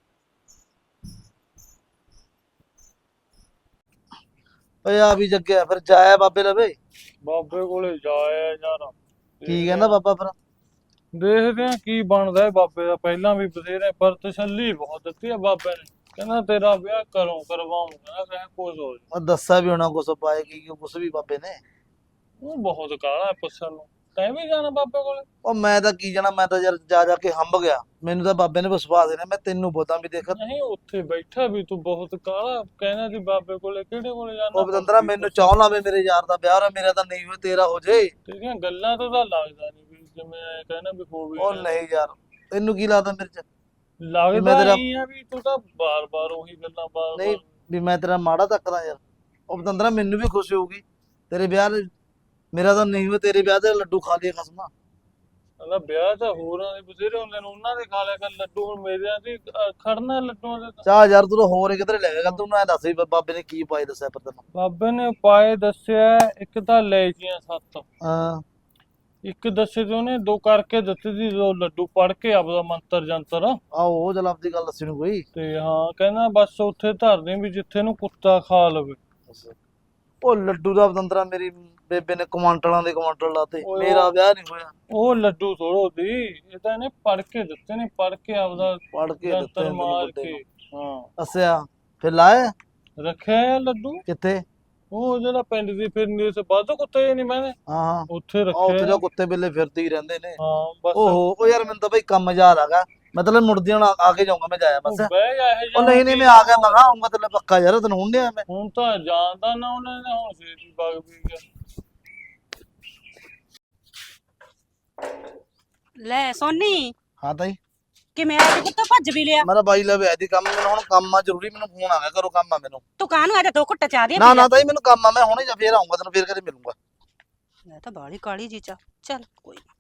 S3: ਓਏ ਆ ਵੀ ਜੱਗਿਆ, ਫਿਰ ਜਾਇਆ ਬਾਬੇ ਲਵੇ।
S1: ਬਾਬੇ ਕੋਲੇ ਜਾਇਆ ਯਾਰ।
S3: ਕੀ ਕਹਿੰਦਾ ਬਾਬਾ ਫਿਰ?
S1: ਦੇਖਦੇ ਆ ਕੀ ਬਣਦਾ ਹੈ ਬਾਬੇ ਦਾ। ਪਹਿਲਾਂ ਵੀ ਬਥੇਰੇ ਪਰ ਤਸੱਲੀ ਬਹੁਤ ਦਿੱਤੀ ਹੈ ਬਾਬੇ ਨੇ। ਕਹਿੰਦਾ ਤੇਰਾ ਵਿਆਹ ਕਰੋ ਕਰਵਾਉਂਗਾ, ਕਹੇ ਕੁਝ ਹੋ ਜਾਏ।
S3: ਮੈਂ ਦੱਸਿਆ ਵੀ ਹੋਣਾ ਕੁਛ ਪਾਏ ਕੀ ਕੁਛ ਵੀ ਬਾਬੇ ਨੇ।
S1: ਉਹ ਬਹੁਤ ਕਾਲਾ ਹੈ ਪੁੱਛਣ ਨੂੰ। ਤੈਂ ਵੀ ਜਾਣਾ ਬਾਬੇ ਕੋਲੇ?
S3: ਉਹ ਮੈਂ ਤਾਂ ਕੀ ਜਾਣਾ, ਮੈਂ ਤਾਂ ਯਾਰ ਜਾ ਜਾ ਕੇ ਹੰਬ ਗਿਆ। ਮੈਨੂੰ ਤਾਂ ਬਾਬੇ ਨੇ ਵਿਸ਼ਵਾਸ ਦੇਣਾ, ਮੈਂ ਤੈਨੂੰ ਬੋਤਾਂ ਵੀ ਦੇਖ।
S1: ਨਹੀਂ, ਉੱਥੇ ਬੈਠਾ ਵੀ ਤੂੰ ਬਹੁਤ ਕਾਲਾ ਕਹਿੰਦਾ ਸੀ ਬਾਬੇ ਕੋਲੇ। ਕਿਹੜੇ ਕੋਲੇ ਜਾਣਾ?
S3: ਉਹ ਬਤੰਦਰਾ ਮੈਨੂੰ ਚਾਹ ਲਾਵੇ, ਮੇਰੇ ਯਾਰ ਦਾ ਵਿਆਹ ਹੋ ਰਿਹਾ, ਮੇਰਾ ਤਾਂ ਨਹੀਂ ਹੋਇਆ, ਤੇਰਾ ਹੋ ਜੇ।
S1: ਤੇਰੀਆਂ ਗੱਲਾਂ ਤੋਂ ਤਾਂ ਲੱਗਦਾ ਨਹੀਂ ਵੀ ਜਿਵੇਂ ਐ ਕਹਿੰਦਾ ਵੀ ਹੋ ਵੀ
S3: ਉਹ
S1: ਜਾਣਾ।
S3: ਨਹੀਂ ਯਾਰ, ਤੈਨੂੰ ਕੀ ਲੱਗਦਾ ਮੇਰੇ ਚ?
S1: ਲੱਗਦਾ
S3: ਮੈਂ ਤੇਰਾ-
S1: ਨਹੀਂ ਆ ਵੀ ਤੂੰ ਤਾਂ ਬਾਰ-ਬਾਰ ਉਹੀ ਗੱਲਾਂ ਬਾਰ-ਬਾਰ।
S3: ਨਹੀਂ ਵੀ ਮੈਂ ਤੇਰਾ ਮਾੜਾ ਤੱਕਦਾ ਯਾਰ। ਉਹ ਬਤੰਦਰਾ ਮੈਨੂੰ ਵੀ ਖੁਸ਼ੀ ਹੋਊਗੀ ਤੇਰੇ ਵਿਆਹ ਦੇ- ਮੇਰਾ ਤਾਂ ਨਹੀਂ ਹੋਇਆ, ਤੇਰੇ ਵਿਆਹ ਦੇ ਲੱਡੂ ਖਾ ਲਏ ਖਸਮਾ।
S1: ਕਹਿੰਦਾ ਵਿਆਹ ਤਾਂ ਹੋਰਾਂ ਦੇ ਬਥੇਰੇ ਹੁੰਦੇ ਨੇ, ਉਹਨਾਂ ਦੇ ਖਾ ਲਿਆ ਕਰ ਲੱਡੂ। ਹੁਣ ਮੇਰਿਆਂ ਦੀ ਅ, ਖੜਨਾ ਲੱਡੂਆਂ ਦੇ ਤਾਂ।
S3: ਚਾਹ ਯਾਰ, ਤੂੰ ਤਾਂ ਹੋਰ ਹੀ ਕਿਧਰੇ ਲੈ ਗਿਆ। ਤੂੰ ਨਾ ਦੱਸ ਵੀ ਬਾਬੇ ਨੇ ਕੀ ਪਾਏ, ਦੱਸਿਆ ਪਰ ਤੈਨੂੰ?
S1: ਬਾਬੇ ਨੇ ਪਾਏ ਦੱਸਿਆ, ਇੱਕ ਤਾਂ ਲੈਚੀਆਂ ਸੱਤ,
S3: ਹਾਂ
S1: ਇੱਕ ਦੱਸੇ ਤੇ ਉਹਨੇ ਦੋ ਕਰਕੇ ਦਿੱਤੇ ਸੀ, ਦੋ ਲੱਡੂ ਪੜ ਕੇ ਆਪਦਾ ਮੰਤਰ ਜੰਤਰ।
S3: ਆਹੋ, ਉਹ ਜਲ ਆਪਦੀ ਗੱਲ ਦੱਸੀ ਨੂੰ ਕੋਈ।
S1: ਤੇ ਹਾਂ ਕਹਿੰਦਾ ਬਸ ਉੱਥੇ ਧਰ ਦੇ ਵੀ ਜਿੱਥੇ ਨੂੰ ਕੁੱਤਾ ਖਾ ਲਵੇ।
S3: ਉਹ ਲੱਡੂ ਦਾ ਬਤੰਦਰਾ ਮੇਰੀ ਬੇਬੇ ਨੇ ਕੁਆਂਟਲਾਂ ਦੇ ਕੁਆਂਟਲ ਲਾਤੇ,
S1: ਓਏ
S3: ਮੇਰਾ
S1: ਉਹ-
S3: ਵਿਆਹ ਨਹੀਂ ਹੋਇਆ।
S1: ਉਹ ਲੱਡੂ ਥੋੜੋ ਦੀ, ਇਹ ਤਾਂ ਇਹਨੇ ਪੜ ਕੇ ਦਿੱਤੇ ਨੇ, ਪੜ ਕੇ ਆਪਦਾ
S3: ਪੜ ਕੇ ਦਿੱਤੇ
S1: ਜੰਤਰ
S3: ਤੈਨੂੰ
S1: ਮਾਰ
S3: ਵੱਡੇ
S1: ਕੇ।
S3: ਨੂੰ।
S1: ਹਾਂ,
S3: ਅੱਛਾ, ਫਿਰ ਲਾਏ
S1: ਰੱਖਿਆ ਆ ਲੱਡੂ।
S3: ਕਿੱਥੇ?
S1: ਉਹ ਜਿਹੜਾ ਪਿੰਡ ਦੀ ਫਿਰਨੀ ਸੀ, ਵੱਧ ਕੁੱਤੇ ਨਹੀਂ ਮੈਂ
S3: ਹਾਂ ਹਾਂ,
S1: ਉੱਥੇ
S3: ਆ ਉੱਥੇ
S1: ਰੱਖਿਆ।
S3: ਤਾਂ ਕੁੱਤੇ ਬਿੱਲੇ ਫਿਰਦੇ ਹੀ ਰਹਿੰਦੇ ਨੇ।
S1: ਹਾਂ ਬਸ
S3: ਓਹੋ, ਉਹ ਯਾਰ ਮੈਨੂੰ ਤਾਂ ਬਈ ਕੰਮ ਯਾਦ ਆਗਾ। ਮਤਲਬ ਮੁੜਦੀ ਹੁਣ ਆ ਕੇ ਜਾਊਂਗਾ, ਮੈਂ ਜਾਇਆ
S1: ਤੂੰ
S3: ਬਸ।
S1: ਬਹਿ ਜਾ ਇਹ
S3: ਉਹ ਨਹੀਂ ਨਹੀਂ, ਮੈਂ ਆ ਗਿਆ, ਮੈਂ ਕਿਹਾ ਆਊਂਗਾ ਤੈਨੂੰ ਪੱਕਾ ਯਾਰ, ਤੈਨੂੰ ਹੁਣ ਨਹੀਂ ਆਇਆ ਮੈਂ।
S1: ਹੁਣ ਤਾਂ ਜਾਣਦਾ ਨਾ ਉਹਨੇ ਨੇ, ਹੁਣ ਸੇਤੀ ਬਾਗ ਵੀ ਗਿਆ।
S2: ਲੈ ਸੋਨੀ,
S3: ਹਾਂ ਤਾਈ,
S2: ਕਿਵੇਂ ਆ ਕੇ ਪੁੱਤ ਭੱਜ ਵੀ ਲਿਆ?
S3: ਮੇਰਾ ਬਾਈ ਲਵੇ ਆਦੀ ਕੰਮ, ਮੈਨੂੰ ਹੁਣ ਕੰਮ ਆ ਜ਼ਰੂਰੀ, ਮੈਨੂੰ ਫੋਨ ਆ ਗਿਆ, ਕਰੋ ਕੰਮ ਆ ਮੈਨੂੰ।
S2: ਤੂੰ ਕਾਹਨੂੰ ਆ ਜਾ, ਦੋ ਘੁੱਟ ਚਾਹ ਦੇ
S3: ਨਾ ਨਾ ਤਾਈ, ਮੈਨੂੰ ਕੰਮ ਆ, ਮੈਂ ਹੁਣੇ ਜਾ ਫੇਰ ਆਊਂਗਾ, ਤੈਨੂੰ ਫੇਰ ਕਦੇ ਮਿਲੂੰਗਾ।
S2: ਮੈਂ ਤਾਂ ਬਾਲੀ ਕਾਲੀ ਜੀ ਚਾ। ਚੱਲ ਕੋਈ ਨਾ।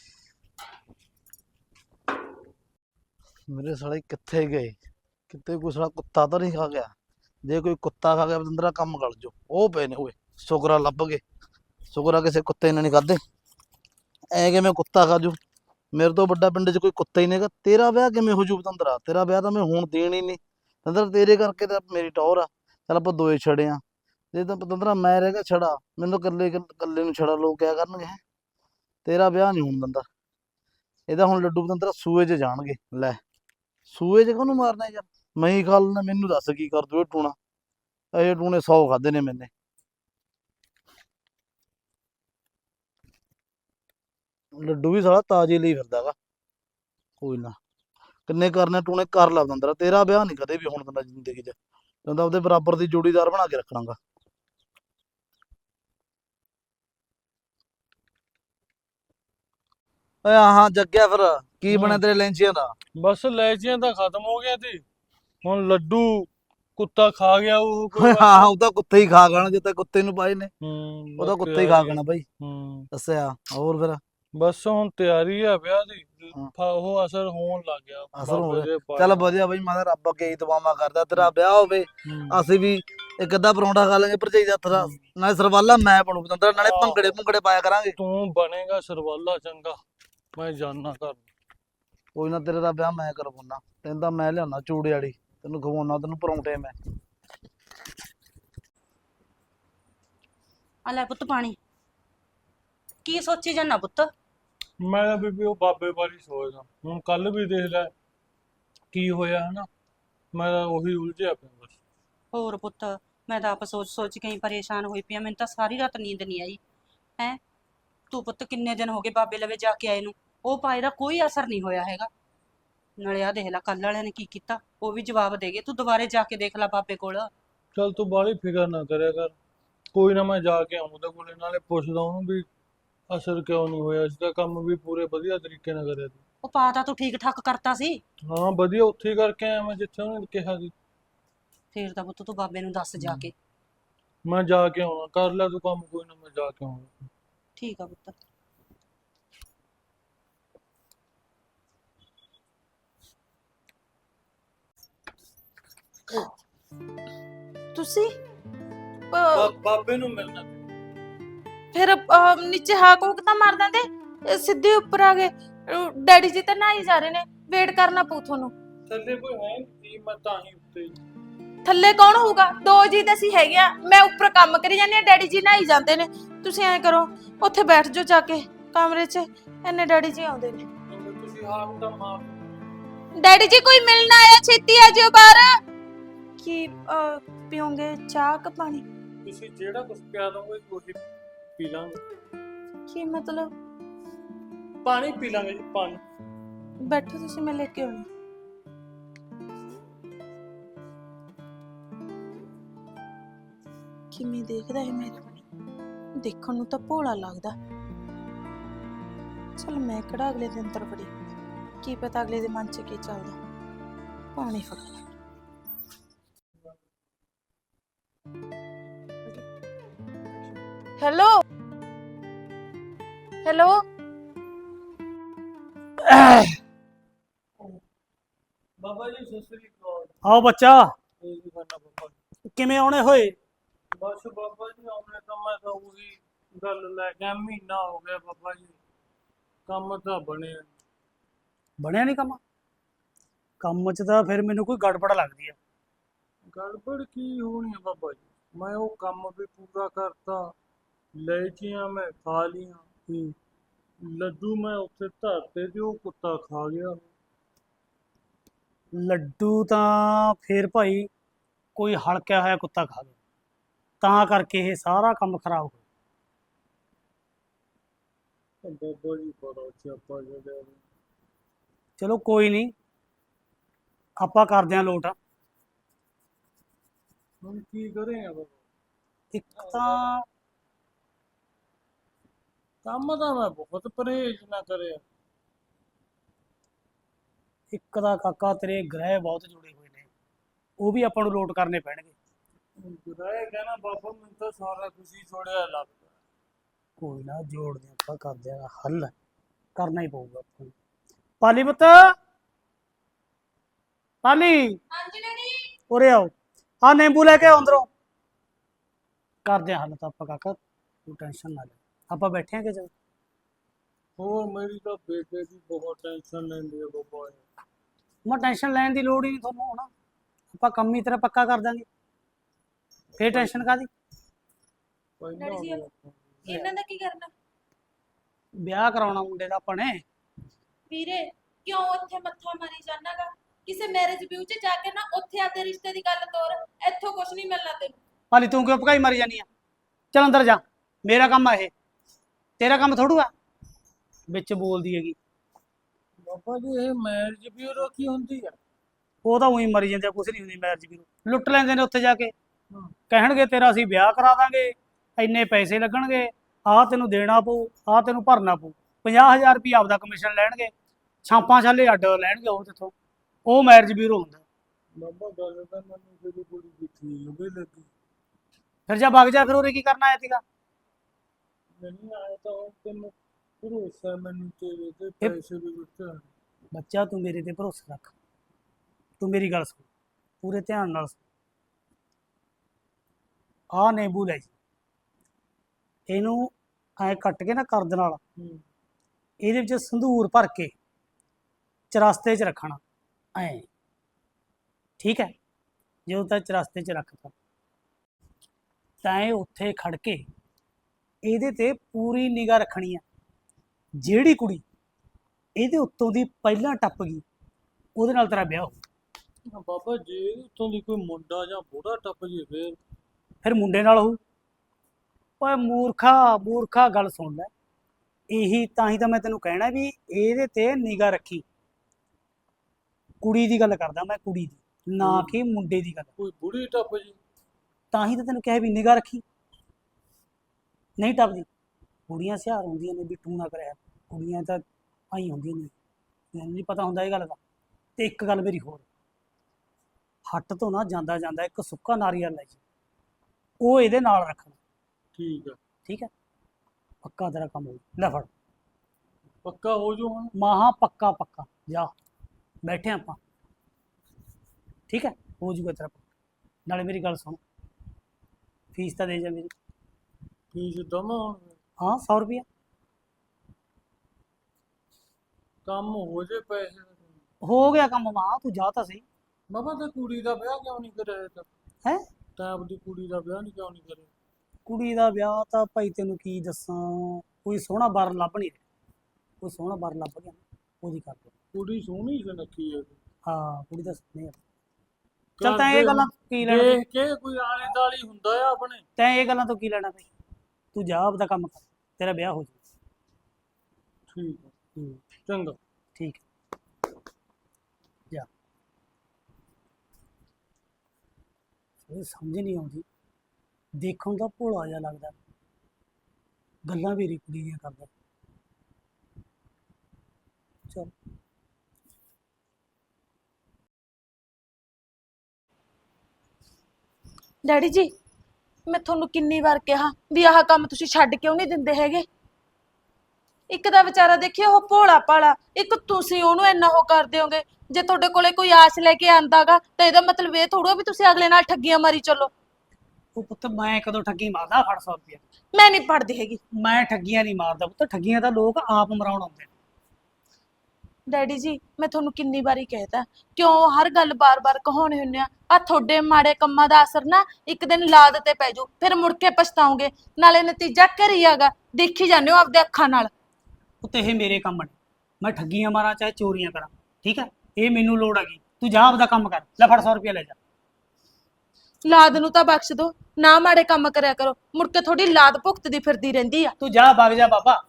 S3: ਮੇਰੇ ਸਾਲੇ ਕਿੱਥੇ ਗਏ? ਕਿਤੇ ਕੋਈ ਸਾਲਾ ਕੁੱਤਾ ਤਾਂ ਨਹੀਂ ਖਾ ਗਿਆ? ਜੇ ਕੋਈ ਕੁੱਤਾ ਖਾ ਗਿਆ ਬਤੰਦਰਾ ਕੰਮ ਗਲ ਜੋ। ਉਹ ਪਏ ਨੇ ਓਏ, ਸ਼ੁਕਰਾ ਲੱਭ ਗਏ। ਸ਼ੁਕਰਾ ਕਿਸੇ ਕੁੱਤੇ ਨੇ ਨਹੀਂ ਖਾਦੇ। ਐ ਕਿਵੇਂ ਕੁੱਤਾ ਖਾ ਜੂ? ਮੇਰੇ ਤੋਂ ਵੱਡਾ ਪਿੰਡ 'ਚ ਕੋਈ ਕੁੱਤਾ ਹੀ ਨਹੀਂ ਹੈਗਾ। ਤੇਰਾ ਵਿਆਹ ਕਿਵੇਂ ਹੋ ਜੂ ਬਤੰਦਰਾ? ਤੇਰਾ ਵਿਆਹ ਤਾਂ ਮੈਂ ਹੁਣ ਦੇਣ ਹੀ ਨਹੀਂ। ਬਤੰਦਰਾ ਤੇਰੇ ਕਰਕੇ ਤਾਂ ਮੇਰੀ ਟੌਰ ਆ। ਚੱਲ ਆਪਾਂ ਦੋਏ ਛੜੇ ਆ। ਜੇ ਤਾਂ ਬਤੰਦਰਾ ਮੈਂ ਰਹਿ ਗਿਆ ਛੜਾ, ਮੈਨੂੰ ਇਕੱਲੇ ਇਕੱਲੇ ਨੂੰ ਛੜਾ ਲੋਕ ਕਿਆ ਕਰਨਗੇ? ਹੈਂ? ਤੇਰਾ ਵਿਆਹ ਨਹੀਂ ਹੋਣ ਦਿੰਦਾ। ਇਹਦਾ ਹੁਣ ਲੱਡੂ ਬਤੰਦਰਾ ਸੂਏ 'ਚ ਜਾਣਗੇ। ਲੈ, ਸੂਏ 'ਚ ਕਾਹਨੂੰ ਮਾਰਨਾ ਯਾਰ? ਮੈਂ ਹੀ ਖਾ ਲੈਣਾ, ਮੈਨੂੰ ਦੱਸ ਕੀ ਕਰ ਦੂ ਇਹ ਟੂਣਾ। ਇਹ ਟੂਣੇ ਸੌ ਖਾਦੇ ਨੇ ਮੈਨੇ। ਲੱਡੂ ਵੀ ਸਾਲਾ ਤਾਜ਼ੇ ਲਈ ਫਿਰਦਾ ਗਾ। ਕੋਈ ਨਾ, ਕਿੰਨੇ ਕਰਨੇ ਟੂਣੇ ਕਰ ਲਾ ਬਤੰਦਰਾ। ਤੇਰਾ ਵਿਆਹ ਨਹੀਂ ਕਦੇ ਵੀ ਹੋਣ ਦਿੰਦਾ ਜ਼ਿੰਦਗੀ 'ਚ। ਕਹਿੰਦਾ ਉਹਦੇ ਬਰਾਬਰ ਦੀ ਜੋੜੀਦਾਰ ਬਣਾ ਕੇ ਰੱਖਣਾਗਾ। ਓਏ ਹਾਂ ਜੱਗਿਆ, ਫਿਰ ਕੀ ਬਣਿਆ ਤੇਰੇ ਲੈਂਚੀਆਂ ਦਾ?
S1: ਬਸ ਲੈਚੀਆਂ ਤਾਂ ਖਤਮ ਹੋ ਗਿਆ ਸੀ। ਹੁਣ ਲੱਡੂ ਕੁੱਤਾ ਖਾ ਗਿਆ ਉਹ ਕੋਈ
S3: ਓਏ
S1: ਗੱਲ
S3: ਹਾਂ, ਉਹ ਤਾਂ ਕੁੱਤੇ ਹੀ ਖਾ ਗਾਣਾ, ਜਿੱਤੇ ਕੁੱਤੇ ਨੂੰ ਪਾਏ ਨੇ।
S1: ਹੂੰ
S3: ਉਹ ਤਾਂ
S1: ਬਸ
S3: ਕੁੱਤੇ ਹੀ ਖਾ
S1: ਤਿਆਰੀ
S3: ਗਾਣਾ ਬਾਈ।
S1: ਹੂੰ
S3: ਦੱਸਿਆ ਹੋਰ ਫਿਰ?
S1: ਬਸ ਹੁਣ ਤਿਆਰੀ ਆ ਵਿਆਹ ਦੀ।
S3: ਹਾਂ।
S1: ਫ- ਉਹ ਅਸਰ ਹੋਣ ਲੱਗ ਗਿਆ।
S3: ਅਸਰ ਹੋ
S1: ਬਾਬੇ
S3: ਗਿਆ।
S1: ਦੇ ਪਾਏ।
S3: ਚੱਲ ਵਧੀਆ ਬਾਈ, ਮੈਂ ਤਾਂ ਰੱਬ ਅੱਗੇ ਹੀ ਦੁਆਵਾਂ ਕਰਦਾ ਤੇਰਾ ਵਿਆਹ ਹੋਵੇ।
S1: ਹੂੰ।
S3: ਅਸੀਂ ਵੀ ਇੱਕ ਅੱਧਾ ਪਰੌਂਠਾ ਖਾ ਲਾਂਗੇ ਭਰਜਾਈ ਦਾ ਹੱਥ ਦਾ। ਨਾਲੇ ਸਰਵਾਲਾ ਮੈਂ ਬਣੂ ਬਤੰਦਰਾ, ਨਾਲੇ
S1: ਆਹੋ।
S3: ਭੰਗੜੇ ਭੁੰਗੜੇ ਪਾਇਆ ਕਰਾਂਗੇ।
S1: ਤੂੰ ਬਣੇਗਾ ਸਰਵਾਲਾ ਚੰਗਾ, ਮੈਂ ਜਾਣਾ ਕਰ।
S3: ਕੋਈ ਨਾ, ਤੇਰੇ ਦਾ ਵਿਆਹ ਮੈਂ ਕਰਵਾਉਣਾ। ਤੈਨੂੰ ਤਾਂ ਮੈਂ ਲਿਆਉਣਾ ਚੂੜੇ ਵਾਲੀ, ਤੈਨੂੰ ਖਵਾਉਣਾ, ਤੈਨੂੰ ਪਰੌਂਠੇ ਮੈਂ।
S2: ਆ ਲੈ ਪੁੱਤ ਪਾਣੀ। ਕੀ ਸੋਚੀ ਜਾਂਦਾ ਪੁੱਤ?
S1: ਮੈਂ ਤਾਂ ਬੀਬੀ ਉਹ ਬਾਬੇ ਬਾਰੇ ਸੋਚਦਾ, ਹੁਣ ਕੱਲ ਵੀ ਦੇਖ ਲੈ ਕੀ ਹੋਇਆ ਹਨਾ। ਮੈਂ ਤਾਂ ਉਹੀ ਉਲਝਿਆ ਪਿਆ ਬਸ।
S2: ਹੋਰ ਪੁੱਤ, ਮੈਂ ਤਾਂ ਆਪ ਸੋਚ ਸੋਚ ਕੇ ਹੀ ਪਰੇਸ਼ਾਨ ਹੋਈ ਪਈ ਆ। ਮੈਨੂੰ ਤਾਂ ਸਾਰੀ ਰਾਤ ਨੀਂਦ ਨਹੀਂ ਆਈ ਹੈ। ਤੂੰ ਪੁੱਤ ਕਿੰਨੇ ਦਿਨ ਹੋ ਗਏ ਬਾਬੇ ਲਵੇ ਜਾ ਕੇ ਆਏ ਨੂੰ, ਉਹ ਪਾਏ ਦਾ ਕੋਈ ਅਸਰ ਨਹੀਂ ਹੋਇਆ ਹੈਗਾ। ਨਾਲੇ ਆ ਦੇਖ ਲੈ ਕੱਲ ਵਾਲਿਆਂ ਨੇ ਕੀ ਕੀਤਾ, ਉਹ ਵੀ ਜਵਾਬ ਦੇ ਗਏ। ਤੂੰ ਦੁਬਾਰੇ ਜਾ ਕੇ ਦੇਖ ਲੈ ਬਾਬੇ ਕੋਲ।
S1: ਚੱਲ ਤੂੰ ਬਾਹਲੀ ਫਿਕਰ ਨਾ ਕਰਿਆ ਕਰ, ਕੋਈ ਨਾ ਮੈਂ ਜਾ ਕੇ ਆਉਂ ਉਹਦੇ ਕੋਲੇ, ਨਾਲੇ ਪੁੱਛਦਾ ਉਹਨੂੰ ਵੀ ਅਸਰ ਕਿਉਂ ਨਹੀਂ ਹੋਇਆ। ਇਸ ਦਾ ਕੰਮ ਵੀ ਪੂਰੇ ਵਧੀਆ ਤਰੀਕੇ ਨਾਲ ਕਰਿਆ ਤੂੰ।
S2: ਉਹ ਪਾ ਤਾਂ ਤੂੰ ਠੀਕ ਠਾਕ ਕਰਤਾ ਸੀ।
S1: ਹਾਂ ਵਧੀਆ, ਉੱਥੇ ਹੀ ਕਰਕੇ ਆਇਆ ਮੈਂ ਜਿੱਥੇ ਉਹਨੇ ਕਿਹਾ ਸੀ।
S2: ਫੇਰ ਤਾਂ ਪੁੱਤ ਤੂੰ ਬਾਬੇ ਨੂੰ ਦੱਸ ਜਾ ਕੇ।
S1: ਮੈਂ ਜਾ ਕੇ ਆਉਣਾ, ਕਰ ਲੈ ਤੂੰ ਕੰਮ, ਕੋਈ ਨਾ ਮੈਂ ਜਾ ਕੇ ਆਉਣਾ।
S2: ਠੀਕ ਆ ਪੁੱਤ।
S4: ਤੁਸੀਂ ਅਹ,
S1: ਬਾ- ਬਾਬੇ ਨੂੰ ਮਿਲਣਾ।
S4: ਫਿਰ ਅਹ, ਨੀਚੇ ਹਾਕ ਹੂਕ ਤਾਂ ਮਾਰ ਦਿੰਦੇ, ਇਹ ਸਿੱਧੇ ਉੱਪਰ ਆ ਗਏ। ਅਹ, ਡੈਡੀ ਜੀ ਤਾਂ ਨਹਾਈ ਜਾ ਰਹੇ ਨੇ, ਵੇਟ ਕਰਨਾ ਪਊ ਤੁਹਾਨੂੰ।
S1: ਥੱਲੇ ਕੋਈ ਹੈ ਨਹੀਂ, ਮੈਂ ਤਾਂ ਹੀ ਉੱਤੇ ਹੀ।
S4: ਥੱਲੇ ਕੌਣ ਹੋਊਗਾ? ਦੋ ਜੀ ਤਾਂ ਅਸੀਂ ਹੈਗੇ ਆ। ਮੈਂ ਉੱਪਰ ਕੰਮ ਕਰੀ ਜਾਂਦੀ ਆ, ਡੈਡੀ ਜੀ ਨਹਾਈ ਜਾਂਦੇ ਨੇ। ਤੁਸੀਂ ਐਂ ਕਰੋ, ਉੱਥੇ ਬੈਠ ਜਾਓ ਜਾ ਕੇ ਕਮਰੇ 'ਚ, ਇੰਨੇ ਡੈਡੀ ਜੀ ਆਉਂਦੇ ਨੇ।
S1: ਤੁਸੀਂ ਹਾਕ ਤਾਂ ਮਾਰ।
S4: ਡੈਡੀ ਜੀ ਕੋਈ ਮਿਲਣ ਆਇਆ, ਛੇਤੀ ਆ ਜਿਓ ਬਾਹਰ। ਕੀ ਅਹ, ਪੀਓਗੇ ਚਾਹ ਕਿ ਪਾਣੀ?
S1: ਤੁਸੀਂ ਜਿਹੜਾ ਕੁਝ ਪਿਆ ਦੋਗੇ ਉਹੀ ਪੀ ਲਾਂਗੇ।
S4: ਕੀ ਮਤਲਬ?
S1: ਪਾਣੀ ਪੀ ਲਾਂਗੇ ਜੀ, ਪਾਣੀ।
S4: ਬੈਠੋ ਤੁਸੀਂ, ਮੈਂ ਲੈ ਕੇ ਆਉਣੀ। ਕਿਵੇਂ ਦੇਖਦਾ ਹੈ ਮੇਰੇ ਵੱਲ, ਦੇਖਣ ਨੂੰ ਤਾਂ ਭੋਲਾ ਲੱਗਦਾ। ਚਲ ਮੈਂ ਕਿਹੜਾ ਅਗਲੇ ਦਿਨ ਅੰਦਰ ਵੜੀ, ਕੀ ਪਤਾ ਅਗਲੇ ਦੇ ਮਨ 'ਚ ਕੀ ਚੱਲਦਾ। ਪਾਣੀ ਫੜ ਲੈ। ਹੈਲੋ ਹੈਲੋ
S1: ਬਾਬਾ ਜੀ ਸਤਿ ਸ੍ਰੀ ਅਕਾਲ।
S5: ਆਓ ਬੱਚਾ,
S1: ਇਹ ਕੀ ਕਰਨਾ ਬਾਬਾ ਜੀ?
S5: ਕਿਵੇਂ ਆਉਣੇ ਹੋਏ?
S1: ਬਸ ਬਾਬਾ ਜੀ ਆਉਣੇ ਤਾਂ ਮੈਂ ਤਾਂ ਉਹੀ ਗੱਲ ਲੈ ਕੇ, ਮਹੀਨਾ ਹੋ ਗਿਆ ਬਾਬਾ ਜੀ, ਕੰਮ ਤਾਂ ਬਣਿਆ।
S5: ਬਣਿਆ ਨਹੀਂ ਕੰਮ? ਕੰਮ 'ਚ ਤਾਂ ਫਿਰ ਮੈਨੂੰ ਕੋਈ ਗੜਬੜ ਲੱਗਦੀ ਆ।
S1: ਗੜਬੜ ਕੀ ਹੋਣੀ ਹੈ ਬਾਬਾ ਜੀ, ਮੈਂ ਉਹ ਕੰਮ ਵੀ ਪੂਰਾ ਕਰਤਾ, ਲੈਚੀਆਂ ਮੈਂ ਖਾ ਲੀਆਂ,
S5: ਹੂੰ।
S1: ਲੱਡੂ ਮੈਂ ਉੱਥੇ ਧਰਤੇ ਤੇ ਉਹ ਕੁੱਤਾ ਖਾ ਗਿਆ।
S5: ਲੱਡੂ ਤਾਂ ਫਿਰ ਭਾਈ ਕੋਈ ਹਲਕਿਆ ਹੋਇਆ ਕੁੱਤਾ ਖਾ ਗਿਆ, ਤਾਂ ਕਰਕੇ ਇਹ ਸਾਰਾ ਕੰਮ ਖਰਾਬ ਹੋ ਗਿਆ।
S1: ਬਾਬਾ ਜੀ ਬੜਾ ਸਿਆਪਾ ਜਿਹੜਾ।
S5: ਚਲੋ ਕੋਈ ਨਹੀਂ, ਆਪਾਂ ਕਰਦੇ ਆਂ ਲੋਟ।
S1: ਹੁਣ ਕੀ ਕਰੇਗਾ ਬਾਬਾ?
S5: ਇੱਕ ਤਾਂ
S1: ਕੰਮ ਤਾਂ ਮੈਂ ਬਹੁਤ ਪਰਹੇਜ਼ ਨਾ ਕਰਿਆ।
S5: ਇੱਕ ਦਾ ਕਾਕਾ ਤੇਰੇ ਗ੍ਰਹਿ ਬਹੁਤ ਜੁੜੇ ਹੋਏ ਨੇ, ਉਹ ਵੀ ਆਪਾਂ ਨੂੰ ਲੋਟ ਕਰਨੇ ਪੈਣਗੇ।
S1: ਗੁਰਾਏ ਕਹਿਣਾ ਬਾਬਾ, ਮੈਨੂੰ ਤਾਂ ਸਾਰਾ ਕੁਝ ਹੀ ਛੋੜਿਆ ਲੱਗਦਾ।
S5: ਕੋਈ ਨਾ, ਜੋੜਦੇ ਆਪਾਂ, ਕਰਦੇ ਆਂ ਹੱਲ, ਕਰਨਾ ਹੀ ਪਊਗਾ ਆਪਾਂ ਨੂੰ। ਪਾਲੀ ਪੁੱਤ, ਪਾਲੀ
S6: ਹਾਂਜੀ ਡੈਡੀ।
S5: ਉਰੇ ਆਓ, ਆ ਨਿੰਬੂ ਲੈ ਕੇ ਆਓ ਅੰਦਰੋਂ। ਕਰਦੇ ਆਂ ਹੱਲ ਤਾਂ ਆਪਾਂ ਕਾਕਾ, ਤੂੰ ਟੈਨਸ਼ਨ ਨਾ ਲੈ, ਆਪਾਂ ਬੈਠੇ ਆਂ ਕਿ ਚੱਲ।
S1: ਹੋਰ ਮੇਰੀ ਤਾਂ ਬੇਬੇ ਦੀ ਬਹੁਤ ਟੈਨਸ਼ਨ ਲੈਂਦੀ ਹੈ ਬਾਬਾ ਜੀ।
S5: ਮੈਂ ਟੈਨਸ਼ਨ ਲੈਣ ਦੀ ਲੋੜ ਹੀ ਨਹੀਂ ਤੁਹਾਨੂੰ, ਹੁਣ ਆਪਾਂ ਕੰਮ ਹੀ ਤੇਰਾ ਪੱਕਾ ਕਰ ਦਾਂਗੇ, ਫੇਰ ਟੈਨਸ਼ਨ ਕਾਦੀ?
S1: ਪਹਿਲਾਂ
S6: ਡੈਡੀ ਜੀ,
S1: ਵੀ
S6: ਇਹਨਾਂ ਦਾ ਕੀ ਕਰਨਾ?
S5: ਵਿਆਹ ਕਰਾਉਣਾ ਮੁੰਡੇ ਦਾ ਆਪਾਂ ਨੇ।
S4: ਵੀਰੇ ਕਿਉਂ ਉੱਥੇ ਮੱਥਾ ਮਾਰੀ ਜਾਣਾਗਾ? ਕਿਸੇ ਮੈਰਿਜ ਵਿਊ 'ਚ ਜਾ ਕੇ ਨਾ ਉੱਥੇ ਆਦੇ ਰਿਸ਼ਤੇ ਦੀ ਗੱਲ ਤੋਰ, ਇੱਥੋਂ ਕੁਝ ਨਹੀਂ ਮਿਲਣਾ ਤੈਨੂੰ।
S5: ਹਾਲੀ ਤੂੰ ਕਿਉਂ ਭਕਾਈ ਮਾਰੀ ਜਾਨੀ ਆ? ਚੱਲ ਅੰਦਰ ਜਾ, ਮੇਰਾ ਕੰਮ ਆ ਇਹ, ਤੇਰਾ ਕੰਮ ਥੋੜੂ ਆ ਵਿੱਚ ਬੋਲਦੀ ਹੈਗੀ।
S1: ਬਾਬਾ ਜੀ ਇਹ ਮੈਰਿਜ ਬਿਊਰੋ ਕੀ ਹੁੰਦੀ ਆ?
S5: ਉਹ ਤਾਂ ਉਹੀ ਮਰੀ ਜਾਂਦੇ, ਕੁਛ ਨਹੀਂ ਹੁੰਦੀ ਮੈਰਿਜ ਬਿਊਰੋ, ਲੁੱਟ ਲੈਂਦੇ ਨੇ ਉੱਥੇ ਜਾ ਕੇ। ਕਹਿਣਗੇ ਤੇਰਾ ਅਸੀਂ ਵਿਆਹ ਕਰਾ ਦਾਂਗੇ, ਇੰਨੇ ਪੈਸੇ ਲੱਗਣਗੇ, ਆਹ ਤੈਨੂੰ ਦੇਣਾ ਪਊ, ਆਹ ਤੈਨੂੰ ਭਰਨਾ ਪਊ, ਪੰਜਾਹ ਹਜ਼ਾਰ ਰੁਪਏ ਆਪਦਾ ਕਮਿਸ਼ਨ ਲੈਣਗੇ, ਛਾਪਾਂ ਛਾਲੇ ਅੱਡ ਲੈਣਗੇ ਉਹ ਤੇਥੋਂ। ਉਹ ਮੈਰਿਜ ਬਿਊਰੋ ਹੁੰਦਾ।
S1: ਬਾਬਾ ਗੱਲ ਤਾਂ ਮੈਨੂੰ ਜਿਹੜੀ ਕੁੜੀ ਦੀ ਠੀਕ ਵੀ ਲੱਗੀ।
S5: ਫਿਰ ਜਾ ਵਗ ਜਾ, ਫਿਰ ਉਰੇ ਕੀ ਕਰਨਾ ਆਇਆ ਸੀਗਾ?
S1: ਨਹੀਂ ਆਇਆ ਤਾਂ ਹੁਣ ਤੈਨੂੰ ਭਰੋਸਾ ਮੈਨੂੰ ਤੇਰੇ ਤੇ,
S5: ਇਹ-
S1: ਪੈਸੇ ਵੀ ਦਿੱਤੇ।
S5: ਬੱਚਾ ਤੂੰ ਮੇਰੇ ਤੇ ਭਰੋਸਾ ਰੱਖ, ਤੂੰ ਮੇਰੀ ਗੱਲ ਸੁਣ ਪੂਰੇ ਧਿਆਨ ਨਾਲ ਸੁਣ। ਆਹ ਨਿੰਬੂ ਲੈ ਜੀ, ਇਹਨੂੰ ਐ ਕੱਟ ਕੇ ਨਾ ਕਰਦ ਨਾਲ,
S1: ਹੂੰ।
S5: ਇਹਦੇ ਵਿੱਚ ਸੰਧੂਰ ਭਰ ਕੇ ਚਰਸਤੇ 'ਚ ਰੱਖਣਾ ਐ, ਠੀਕ ਹੈ? ਜਦੋਂ ਤੱਕ ਚਰਸਤੇ 'ਚ ਰੱਖਤਾ ਤਾਂ ਇਹ ਉੱਥੇ ਖੜ ਕੇ ਇਹਦੇ ਤੇ ਪੂਰੀ ਨਿਗਾਹ ਰੱਖਣੀ ਆ। ਜਿਹੜੀ ਕੁੜੀ ਇਹਦੇ ਉੱਤੋਂ ਦੀ ਪਹਿਲਾਂ ਟੱਪ ਗਈ ਉਹਦੇ ਨਾਲ ਤੇਰਾ ਵਿਆਹ ਹੋ।
S1: ਬਾਬਾ ਜੇ ਉੱਤੋਂ ਦੀ ਕੋਈ ਮੁੰਡਾ ਜਾਂ ਬੁੜਾ ਟੱਪ ਜੇ ਫੇਰ?
S5: ਫਿਰ ਮੁੰਡੇ ਨਾਲ ਹੋਊ। ਓਏ ਮੂਰਖਾ ਮੂਰਖਾ ਗੱਲ ਸੁਣ ਲੈ, ਇਹੀ ਤਾਂ ਹੀ ਤਾਂ ਮੈਂ ਤੈਨੂੰ ਕਹਿਣਾ ਵੀ ਇਹਦੇ ਤੇ ਨਿਗਾਹ ਰੱਖੀ। ਕੁੜੀ ਦੀ ਗੱਲ ਕਰਦਾ ਮੈਂ, ਕੁੜੀ ਦੀ, ਨਾ ਕਿ ਮੁੰਡੇ ਦੀ ਗੱਲ।
S1: ਕੋਈ ਬੁੜੀ ਟੱਪ ਜੇ?
S5: ਤਾਂ ਹੀ ਤਾਂ ਤੈਨੂੰ ਕਿਹਾ ਵੀ ਨਿਗਾਹ ਰੱਖੀ। ਨਹੀਂ ਟੱਪਦੀ। ਕੁੜੀਆਂ ਸਿਆਰ ਹੁੰਦੀਆਂ ਨੇ ਵੀ ਤੂੰ ਨਾ ਕਰਿਆ, ਕੁੜੀਆਂ ਤਾਂ ਆਈ ਹੁੰਦੀਆਂ ਨੇ, ਮੈਨੂੰ ਨਹੀਂ ਪਤਾ ਹੁੰਦਾ ਇਹ ਗੱਲ ਦਾ। ਤੇ ਇੱਕ ਗੱਲ ਮੇਰੀ ਹੋਰ, ਹੱਟ ਤੋਂ ਨਾ ਜਾਂਦਾ ਜਾਂਦਾ ਇੱਕ ਸੁੱਕਾ ਨਾਰੀਅਲ ਲੈ ਜੀ, ਉਹ ਇਹਦੇ ਨਾਲ ਰੱਖਣਾ।
S1: ਠੀਕ ਆ।
S5: ਠੀਕ ਹੈ, ਪੱਕਾ ਤੇਰਾ ਕੰਮ ਹੋ। ਲੈ ਫੜ।
S1: ਪੱਕਾ ਹੋ ਜੂ ਹੁਣ?
S5: ਮਾਹਾਂ ਪੱਕਾ ਪੱਕਾ। ਜਾ ਬੈਠੇ ਆਪਾਂ, ਠੀਕ ਹੈ, ਹੋ ਜੂਗਾ ਤੇਰਾ ਪੱਕਾ। ਨਾਲੇ ਮੇਰੀ ਗੱਲ ਸੁਣ, ਫੀਸ ਤਾਂ ਦੇ ਜਾ ਮੇਰੀ।
S1: ਫੀਸ ਦਵਾਂ ਹੁਣ?
S5: ਹਾਂ, ਸੌ ਰੁਪਇਆ।
S1: ਕੰਮ ਹੋ ਜੇ ਪੈਸੇ?
S5: ਹੋ ਗਿਆ ਕੰਮ ਮਾਂ, ਤੂੰ ਜਾ ਤਾਂ ਸਹੀ।
S1: ਬਾਬਾ ਤੇ ਕੁੜੀ ਦਾ ਵਿਆਹ ਕਿਉਂ ਨਹੀਂ ਕਰਿਆ ਤਾਂ?
S5: ਹੈਂ?
S1: ਤਾਂ ਆਪਦੀ ਕੁੜੀ ਦਾ ਵਿਆਹ ਨਹੀਂ ਕਿਉਂ ਨਹੀਂ ਕਰਿਆ?
S5: ਕੁੜੀ ਦਾ ਵਿਆਹ ਤਾਂ ਭਾਈ ਤੈਨੂੰ ਕੀ ਦੱਸਾਂ, ਕੋਈ ਸੋਹਣਾ ਵਰ ਲੱਭ ਨਹੀਂ ਰਿਹਾ। ਕੋਈ ਸੋਹਣਾ ਵਰ ਲੱਭ ਗਿਆ ਨਾ, ਉਹਦੀ ਕਰ ਦੇ।
S1: ਕੁੜੀ ਸੋਹਣੀ ਸੁਨੱਖੀ ਹੈ?
S5: ਹਾਂ, ਕੁੜੀ ਤਾਂ ਸੋਹਣੀ ਆ। ਚੱਲ ਤੈਂ ਇਹ ਗੱਲਾਂ ਕੀ ਲੈਣਾ?
S1: ਦੇਖ ਕੇ ਕੋਈ ਆਲੇ ਦਾਲੀ ਹੁੰਦਾ ਆ ਆਪਣੇ।
S5: ਤੈਂ ਇਹ ਗੱਲਾਂ ਤੋਂ ਕੀ ਲੈਣਾ ਭਾਈ? ਤੂੰ ਜਾ ਆਪਦਾ ਕੰਮ ਕਰ, ਤੇਰਾ ਵਿਆਹ ਹੋ ਜਾਊ।
S1: ਠੀਕ ਆ,
S5: ਹੂੰ,
S1: ਚੰਗਾ।
S5: ਠੀਕ ਹੈ, ਜਾ। ਇਹ ਸਮਝ ਨਹੀਂ ਆਉਂਦੀ, ਦੇਖਣ ਦਾ ਭੋਲਾ ਜਿਹਾ ਲੱਗਦਾ, ਗੱਲਾਂ ਵੀ ਕੁੜੀ ਦੀਆਂ ਕਰਦਾ। ਚਲ
S4: ਡੈਡੀ ਜੀ, ਮੈਂ ਤੁਹਾਨੂੰ ਕਿੰਨੀ ਵਾਰ ਕਿਹਾ ਵੀ ਆਹ ਕੰਮ ਤੁਸੀਂ ਛੱਡ ਕਿਉਂ ਨਹੀਂ ਦਿੰਦੇ ਹੈਗੇ। ਇੱਕ ਦਾ ਵਿਚਾਰਾ ਦੇਖਿਓ ਉਹ ਭੋਲਾ ਭਾਲਾ, ਇੱਕ ਤੁਸੀਂ ਉਹਨੂੰ ਇੰਨਾ ਉਹ ਕਰ ਦਿਓਗੇ। ਜੇ ਤੁਹਾਡੇ ਕੋਲੇ ਕੋਈ ਆਸ ਲੈ ਕੇ ਆਂਦਾਗਾ ਤਾਂ ਇਹਦਾ ਮਤਲਬ ਇਹ ਥੋੜਾ ਵੀ ਤੁਸੀਂ ਅਗਲੇ ਨਾਲ ਠੱਗੀਆਂ ਮਾਰੀ ਚੱਲੋ।
S5: ਉਹ ਪੁੱਤ ਮੈਂ ਕਦੋਂ ਠੱਗੀ ਮਾਰਦਾ? ਫੜ ਸੌ ਰੁਪਇਆ।
S4: ਮੈਂ ਨਹੀਂ ਪੜਦੀ ਹੈਗੀ।
S5: ਮੈਂ ਠੱਗੀਆਂ ਨਹੀਂ ਮਾਰਦਾ ਪੁੱਤ, ਠੱਗੀਆਂ ਤਾਂ ਲੋਕ ਆਪ ਮਰਾਉਣ ਆਉਂਦੇ ਨੇ।
S4: ਡੈਡੀ ਜੀ, ਮੈਂ ਤੁਹਾਨੂੰ ਕਿੰਨੀ ਵਾਰੀ ਕਹਿਤਾ, ਕਿਉਂ ਹਰ ਗੱਲ ਬਾਰ-ਬਾਰ ਕਹਾਉਣੇ ਹੁੰਨੇ ਆ? ਆ ਤੁਹਾਡੇ ਮਾੜੇ ਕੰਮਾਂ ਦਾ ਅਸਰ ਨਾ ਇੱਕ ਦਿਨ ਲਾਦ ਤੇ ਪੈ ਜਾਊ, ਫਿਰ ਮੁੜ ਕੇ ਪਛਤਾਓਗੇ। ਨਾਲੇ ਨਤੀਜਾ ਘਰ ਹੀ ਆਗਾ, ਦੇਖੀ ਜਾਂਦੇ ਹੋ ਆਪਦੇ ਅੱਖਾਂ ਨਾਲ।
S5: ਪੁੱਤ ਇਹ ਮੇਰੇ ਕੰਮ ਨੇ, ਮੈਂ ਠੱਗੀਆਂ ਮਾਰਾਂ ਚਾਹੇ ਚੋਰੀਆਂ ਕਰਾਂ, ਠੀਕ ਹੈ? ਇਹ ਮੈਨੂੰ ਲੋੜ ਹੈਗੀ। ਤੂੰ ਜਾ ਆਪਦਾ ਕੰਮ ਕਰ, ਲੈ ਫੜ ਸੌ ਰੁਪਇਆ ਲੈ ਜਾ।
S4: ਲਾਦ ਨੂੰ ਤਾਂ ਬਖਸ਼ ਦੋ, ਨਾ ਮਾੜੇ ਕੰਮ ਕਰਿਆ ਕਰੋ, ਮੁੜ ਕੇ ਤੁਹਾਡੀ ਲਾਦ ਭੁਗਤਦੀ ਫਿਰਦੀ ਰਹਿੰਦੀ ਆ।
S5: ਤੂੰ ਜਾ ਵਗ ਜਾ ਬਾਬਾ।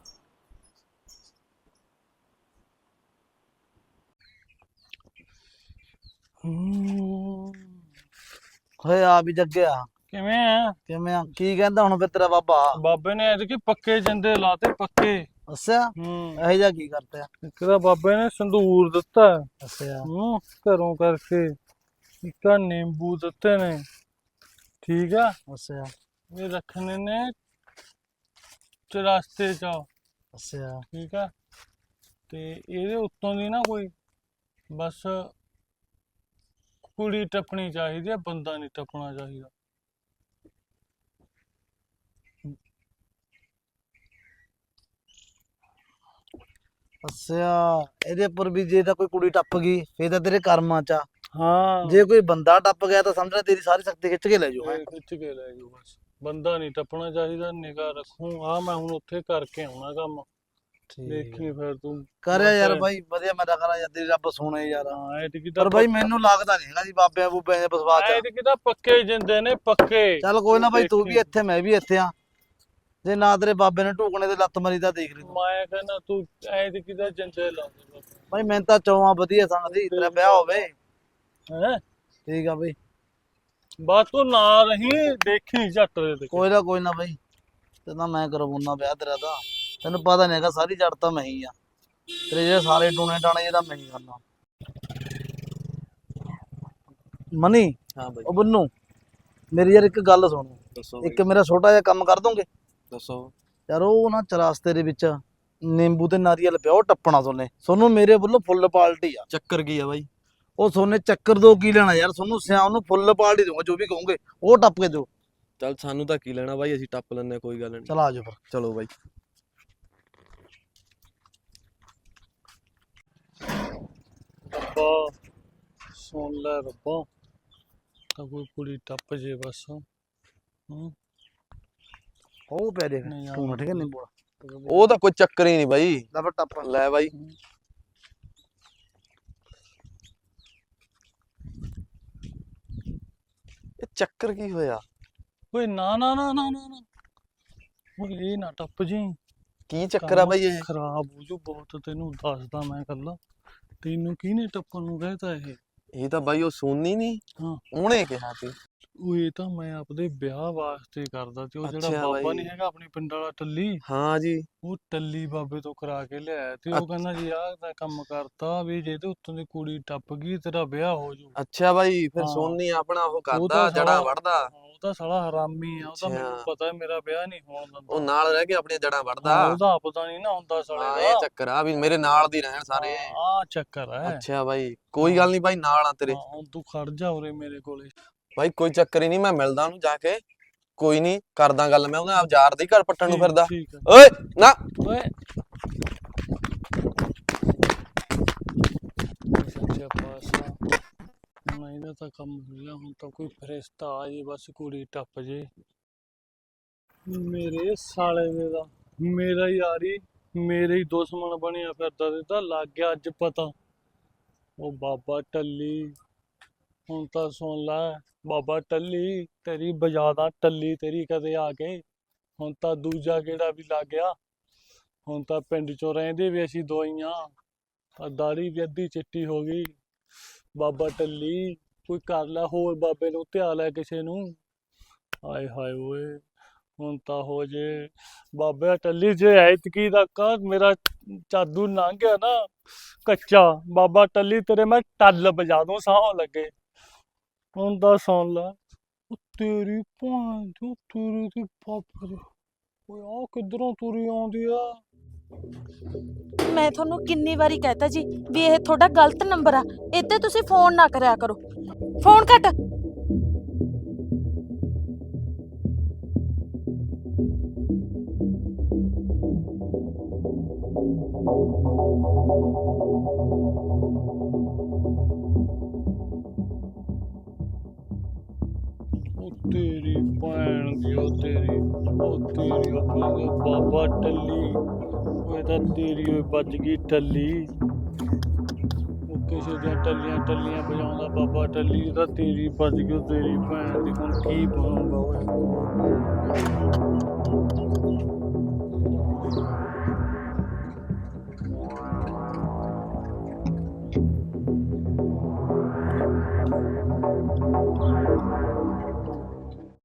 S3: ਹੋਏ ਆ ਵੀ ਜੱਗਿਆ,
S1: ਕਿਵੇਂ ਆ?
S3: ਕਿਵੇਂ ਆ? ਕੀ ਕਹਿੰਦਾ ਹੁਣ ਫਿਰ ਤੇਰਾ ਬਾਬਾ?
S1: ਬਾਬੇ ਨੇ ਐਤਕੀ ਪੱਕੇ ਜਿੰਦੇ ਲਾਤੇ, ਪੱਕੇ।
S3: ਅੱਛਾ,
S1: ਹੂੰ।
S3: ਇਹੋ ਜਿਹਾ ਕੀ ਕਰਤੇ ਆ?
S1: ਇੱਕ ਤਾਂ ਬਾਬੇ ਨੇ ਸੰਦੂਰ ਦਿੱਤਾ
S3: ਅੱਛਾ,
S1: ਹੂੰ ਘਰੋਂ ਕਰਕੇ, ਇੱਕ ਆ ਨਿੰਬੂ ਦਿੱਤੇ ਨੇ, ਠੀਕ ਆ?
S3: ਅੱਛਾ,
S1: ਇਹ ਰੱਖਣੇ ਨੇ ਚਰਸਤੇ ਚ,
S3: ਅੱਛਾ,
S1: ਠੀਕ ਆ? ਤੇ ਇਹਦੇ ਉੱਤੋਂ ਦੀ ਨਾ ਕੋਈ ਬਸ ਕੁੜੀ ਟੱਪਣੀ ਚਾਹੀਦੀ ਆ, ਬੰਦਾ ਨਹੀਂ ਟੱਪਣਾ ਚਾਹੀਦਾ।
S3: ਅੱਛਾ। ਇਹਦੇ ਉੱਪਰ ਵੀ ਜੇ ਤਾਂ ਕੋਈ ਕੁੜੀ ਟੱਪ ਗਈ ਫੇਰ ਤਾਂ ਤੇਰੇ ਕਰਮਾਂ ਚ ਆ।
S1: ਹਾਂ,
S3: ਜੇ ਕੋਈ ਬੰਦਾ ਟੱਪ ਗਿਆ ਤਾਂ ਸਮਝ ਲੈ ਤੇਰੀ ਸਾਰੀ ਸ਼ਕਤੀ ਖਿੱਚ ਕੇ ਲੈ ਜਾਊ।
S1: ਇਹ ਖਿੱਚ ਕੇ ਲੈ ਜਾਓ ਬਸ, ਬੰਦਾ ਨਹੀਂ ਟੱਪਣਾ ਚਾਹੀਦਾ। ਨਿਗਾਹ ਰੱਖੂ। ਆ ਮੈਂ ਹੁਣ ਉੱਥੇ ਕਰਕੇ ਆਉਣਾ ਕੰਮ, ਦੇਖੀ ਫਿਰ ਤੂੰ।
S3: ਕਰਿਆ ਯਾਰ ਬਾਈ, ਵਧੀਆ। ਮੈਂ ਤਾਂ ਕਰਾਂ ਯਾਰ, ਤੇਰੀ ਰੱਬ ਸੁਣੇ ਯਾਰ।
S1: ਹਾਂ ਐਤਕੀ ਤਾਂ
S3: ਪਰ ਬਾਈ ਮੈਨੂੰ ਲੱਗਦਾ ਨਹੀਂ ਹੈਗਾ ਜੀ ਬਾਬਿਆਂ ਬੂਬਿਆਂ ਦੇ ਵਿਸ਼ਵਾਸ ਚ।
S1: ਐਤਕੀ ਤਾਂ ਪੱਕੇ ਜਿੰਦੇ ਨੇ, ਪੱਕੇ।
S3: ਚੱਲ ਕੋਈ ਨਾ ਬਾਈ, ਤੂੰ ਵੀ
S1: ਦੇਖੀ।
S3: ਇੱਥੇ ਮੈਂ ਵੀ ਇੱਥੇ ਆ। ਜੇ ਨਾ ਤੇਰੇ ਬਾਬੇ ਨੇ ਢੂਕਣੇ ਤੇ ਲੱਤ ਮਾਰੀ ਤਾਂ ਦੇਖ ਲਈ ਤੂੰ।
S1: ਮੈਂ ਕਹਿੰਦਾ ਤੂੰ ਐਤਕੀ ਤਾਂ ਜਿੰਦੇ ਲਾਉਂਦੇ
S3: ਬਾਈ ਮੈਨੂੰ ਤਾਂ ਚੌਹਾਂ ਵਧੀਆ ਸੰਗ ਸੀ ਤੇਰਾ ਵਿਆਹ ਹੋਵੇ।
S1: ਹੈ।
S3: ਠੀਕ ਆ ਬਾਈ,
S1: ਬਸ ਤੂੰ ਨਾ ਰਹੀ, ਦੇਖੀ ਝੱਟ ਦੇ ਤੇ।
S3: ਕੋਈ ਨਾ ਕੋਈ ਨਾ ਬਾਈ, ਤੇ ਤਾਂ ਮੈਂ ਕਰਵਾਉਣਾ ਵਿਆਹ ਤੇਰਾ ਤਾਂ। ਤੈਨੂੰ ਪਤਾ ਨਹੀਂ ਹੈਗਾ, ਸਾਰੀ ਜੜ ਤਾਂ ਮੈਂ ਹੀ ਆ। ਤੇਰੇ ਜਿਹੜੇ ਸਾਰੇ ਟੂਣੇ ਟਾਣੇ ਜਿਹੜਾ ਮੈਂ ਹੀ ਕਰਨਾ। ਮਨੀ,
S7: ਹਾਂ ਬਾਈ,
S3: ਉਹ ਬੰਨੂ, ਮੇਰੀ ਯਾਰ ਇੱਕ ਗੱਲ ਸੁਣੋ।
S7: ਦੱਸੋ
S3: ਇੱਕ ਮੇਰਾ ਛੋਟਾ ਜਿਹਾ ਕੰਮ ਕਰ ਦੋਗੇ?
S7: ਦੱਸੋ।
S3: ਯਾਰ ਉਹ ਨਾ ਚਰਸਤੇ ਦੇ ਵਿੱਚ ਨਿੰਬੂ ਤੇ ਨਾਰੀਅਲ ਪਿਆ, ਉਹ ਟੱਪਣਾ ਸੋਨੇ। ਸੋਨੂੰ ਮੇਰੇ ਵੱਲੋਂ ਫੁੱਲ ਪਾਲਟੀ ਆ।
S7: ਚੱਕਰ ਕੀ ਆ ਬਾਈ?
S3: ਉਹ ਸੋਨੇ ਚੱਕਰ ਦੋ ਕੀ ਲੈਣਾ ਯਾਰ, ਸੋਨੂੰ ਸਿਆਮ ਨੂੰ ਫੁੱਲ ਪਾਲਟੀ ਦਊਂਗਾ, ਜੋ ਵੀ ਕਹੋਗੇ ਉਹ ਟੱਪ ਕੇ ਦਿਓ।
S7: ਚੱਲ ਸਾਨੂੰ ਤਾਂ ਕੀ ਲੈਣਾ ਬਾਈ, ਅਸੀਂ ਟੱਪ ਲੈਣੇ, ਕੋਈ ਗੱਲ ਨਹੀਂ।
S3: ਚਲ ਆ ਜਾਓ ਫਿਰ।
S7: ਚਲੋ ਬਾਈ।
S1: ਰੱਬਾ ਸੁਣ ਲੈ ਰੱਬਾ, ਤਾਂ ਕੋਈ ਕੁੜੀ ਟੱਪ ਜੇ ਬਸ। ਹੂੰ
S3: ਉਹ ਪੈ ਦੇਖ
S1: ਨਹੀਂ ਯਾਰ।
S3: ਤੂੰ ਠੀਕ ਹੈ ਨਿੰਬੂ
S7: ਉਹ ਤਾਂ ਕੋਈ ਚੱਕਰ ਹੀ ਨਹੀਂ ਬਾਈ।
S3: ਲੈ ਫਿਰ ਟੱਪ
S7: ਲੈ ਬਾਈ। ਇਹ ਚੱਕਰ ਕੀ ਹੋਇਆ?
S1: ਓਏ ਨਾ ਨਾ ਨਾ ਨਾ ਨਾ ਨਾ। ਓਏ ਇਹ ਨਾ ਟੱਪ ਜੀ।
S7: ਕੀ ਚੱਕਰ ਆ ਬਾਈ ਇਹ?
S1: ਖਰਾਬ ਹੋ ਜੂ ਬਹੁਤ, ਤੈਨੂੰ ਦੱਸਦਾ ਮੈਂ ਕੱਲਾ। ਤੈਨੂੰ ਕਿਹਨੇ ਟੱਪਣ ਨੂੰ ਕਹਿਤਾ ਇਹ?
S7: ਇਹ ਤਾਂ ਬਾਈ ਉਹ ਸੋਨੀ ਨਹੀਂ,
S1: ਹਾਂ।
S7: ਉਹਨੇ ਕਿਹਾ ਸੀ।
S1: ਉਹ ਇਹ ਤਾਂ ਮੈਂ ਆਪਦੇ ਵਿਆਹ ਵਾਸਤੇ ਕਰਦਾ ਤੇ ਉਹ ਜਿਹੜਾ
S7: ਅੱਛਾ
S1: ਬਾਬਾ
S7: ਬਾਈ।
S1: ਨਹੀਂ ਹੈਗਾ ਆਪਣੇ ਪਿੰਡ ਵਾਲਾ ਟੱਲੀ,
S7: ਹਾਂ ਜੀ।
S1: ਉਹ ਟੱਲੀ ਬਾਬੇ ਤੋਂ ਕਰਾ ਕੇ ਲਿਆਇਆ ਤੇ ਉਹ
S7: ਅੱਛ-
S1: ਕਹਿੰਦਾ ਜੀ ਆਹ ਦਾ ਕੰਮ ਕਰਤਾ ਵੀ ਜੇ ਤੇ ਉੱਤੋਂ ਦੀ ਕੁੜੀ ਟੱਪ ਗਈ ਤੇਰਾ ਵਿਆਹ ਹੋ ਜੂ।
S7: ਅੱਛਾ ਬਾਈ, ਫਿਰ
S1: ਹਾਂ।
S7: ਸੋਨੀ ਆਪਣਾ ਉਹ
S1: ਉਹ
S7: ਕਰਦਾ,
S1: ਤਾਂ
S7: ਜੜਾਂ
S1: ਸਾਲਾ-
S7: ਵੜਦਾ।
S1: ਹਾਂ, ਉਹ ਤਾਂ ਸਾਲਾ ਹਰਾਮੀ ਆ, ਉਹ ਤਾਂ ਮੈਨੂੰ
S7: ਅੱਛਾ।
S1: ਪਤਾ ਹੈ ਮੇਰਾ ਵਿਆਹ ਨਹੀਂ ਹੋਣ ਦਿੰਦਾ।
S7: ਉਹ ਨਾਲ ਰਹਿ ਕੇ ਆਪਣੀਆਂ ਜੜਾਂ ਵੜਦਾ।
S1: ਹਾਂ, ਉਹਦਾ ਪਤਾ ਨਹੀਂ ਨਾ ਹੁੰਦਾ
S7: ਹਾਂ
S1: ਸਾਲੇ
S7: ਇਹ
S1: ਦਾ।
S7: ਚੱਕਰ ਆ ਵੀ ਮੇਰੇ ਨਾਲ ਦੀ ਰਹਿਣ ਸਾਰੇ।
S1: ਆ ਚੱਕਰ ਹੈ।
S7: ਅੱਛਾ ਬਾਈ, ਕੋਈ ਗੱਲ ਨਹੀਂ ਬਾਈ, ਨਾਲ ਆ ਤੇਰੇ।
S1: ਹਾਂ, ਹੁਣ ਤੂੰ ਖੜ ਜਾ ਉਰੇ ਮੇਰੇ ਕੋਲੇ।
S7: ਬਾਈ ਕੋਈ ਚੱਕਰ ਹੀ ਨਹੀਂ, ਮੈਂ ਮਿਲਦਾ ਉਹਨੂੰ ਜਾ ਕੇ, ਕੋਈ ਨਹੀਂ ਕਰਦਾ ਗੱਲ ਮੈਂ ਉਹਦੇ ਆਪ ਯਾਰ ਦੀ ਘਰ ਪੱਟਣ ਨੂੰ
S1: ਠੀਕ-
S7: ਫਿਰਦਾ।
S1: ਠੀਕ ਹੈ।
S7: ਓਏ ਨਾ।
S1: ਓਏ ਸੱਚੇ ਪਾਤਸ਼ਾਹ, ਹੁਣ ਇਹਦਾ ਤਾਂ ਕੰਮ ਹੋ ਗਿਆ। ਹੁਣ ਤਾਂ ਕੋਈ ਫਰਿਸ਼ਤਾ ਆ ਜੇ, ਬਸ ਕੁੜੀ ਟੱਪ ਜੇ। ਮੇਰੇ ਸਾਲੇ ਦੇ ਦਾ ਮੇਰਾ ਯਾਰੀ ਮੇਰੇ ਹੀ ਦੁਸ਼ਮਣ ਬਣਿਆ ਫਿਰਦਾ ਤੇ ਤਾਂ ਲੱਗ ਗਿਆ ਅੱਜ ਪਤਾ। ਉਹ ਬਾਬਾ ਟੱਲੀ, ਹੁਣ ਤਾਂ ਸੁਣ ਲੈ ਬਾਬਾ ਟੱਲੀ, ਤੇਰੀ ਬਜਾਦਾ ਟੱਲੀ ਤੇਰੀ ਕਦੇ ਆ ਕੇ। ਹੁਣ ਤਾਂ ਦੂਜਾ ਗੇੜਾ ਵੀ ਲੱਗ ਗਿਆ। ਹੁਣ ਤਾਂ ਪਿੰਡ ਚੋਂ ਰਹਿੰਦੇ ਵੀ ਅਸੀਂ ਦੋਈਆਂ, ਆ ਦਾੜੀ ਵੀ ਅੱਧੀ ਚਿੱਟੀ ਹੋ ਗਈ। ਬਾਬਾ ਟੱਲੀ ਕੋਈ ਕਰ ਲੈ, ਹੋਰ ਬਾਬੇ ਨੂੰ ਧਿਆ ਲੈ ਕਿਸੇ ਨੂੰ। ਆਏ ਹਾਏ ਓਏ, ਹੁਣ ਤਾਂ ਹੋ ਜੇ ਬਾਬਾ ਟੱਲੀ, ਜੇ ਐਤਕੀ ਦਾ ਕਰ ਮੇਰਾ ਜਾਦੂ ਲੰਘ ਗਿਆ ਨਾ ਕੱਚਾ, ਬਾਬਾ ਟੱਲੀ ਤੇਰੇ ਮੈਂ ਟੱਲ ਵਜਾ ਦੂੰ ਸਾਹ ਲੱਗੇ। ਹੁਣ ਤਾਂ ਸੁਣ ਲੈ, ਉਹ ਤੇਰੀ ਭੈਣ ਚੋ, ਤੇਰੀ ਦੀ ਬਾਬੇ ਦੀ। ਓਏ ਆ ਕਿੱਧਰੋਂ ਤੁਰੀ ਆਉਂਦੀ ਆ?
S4: ਮੈਂ ਤੁਹਾਨੂੰ ਕਿੰਨੀ ਵਾਰੀ ਕਹਿਤਾ ਜੀ ਵੀ ਇਹ ਤੁਹਾਡਾ ਗਲਤ ਨੰਬਰ ਆ, ਇੱਥੇ ਤੁਸੀਂ ਫੋਨ ਨਾ ਕਰਿਆ ਕਰੋ। ਫੋਨ ਕੱਟ।
S1: ਉਹ ਤੇਰੀ ਭੈਣ ਦੀ, ਉਹ ਤੇਰੀ, ਉਹ ਤੇਰੀ ਆਪਣੇ ਬਾਬਾ ਟੱਲੀ। ਉਹ ਤਾਂ ਤੇਰੀ ਓਏ ਵੱਜ ਗਈ ਟੱਲੀ। ਉਹ ਕਿਸੇ ਦੀਆਂ ਟੱਲੀਆਂ ਟੱਲੀਆਂ ਵਜਾਉਂਦਾ ਬਾਬਾ ਟੱਲੀ, ਤਾਂ ਤੇਰੀ ਵੱਜ ਗਈ ਉਹ ਤੇਰੀ ਭੈਣ ਦੀ। ਹੁਣ ਕੀ ਬਣੂਗਾ ਓਏ?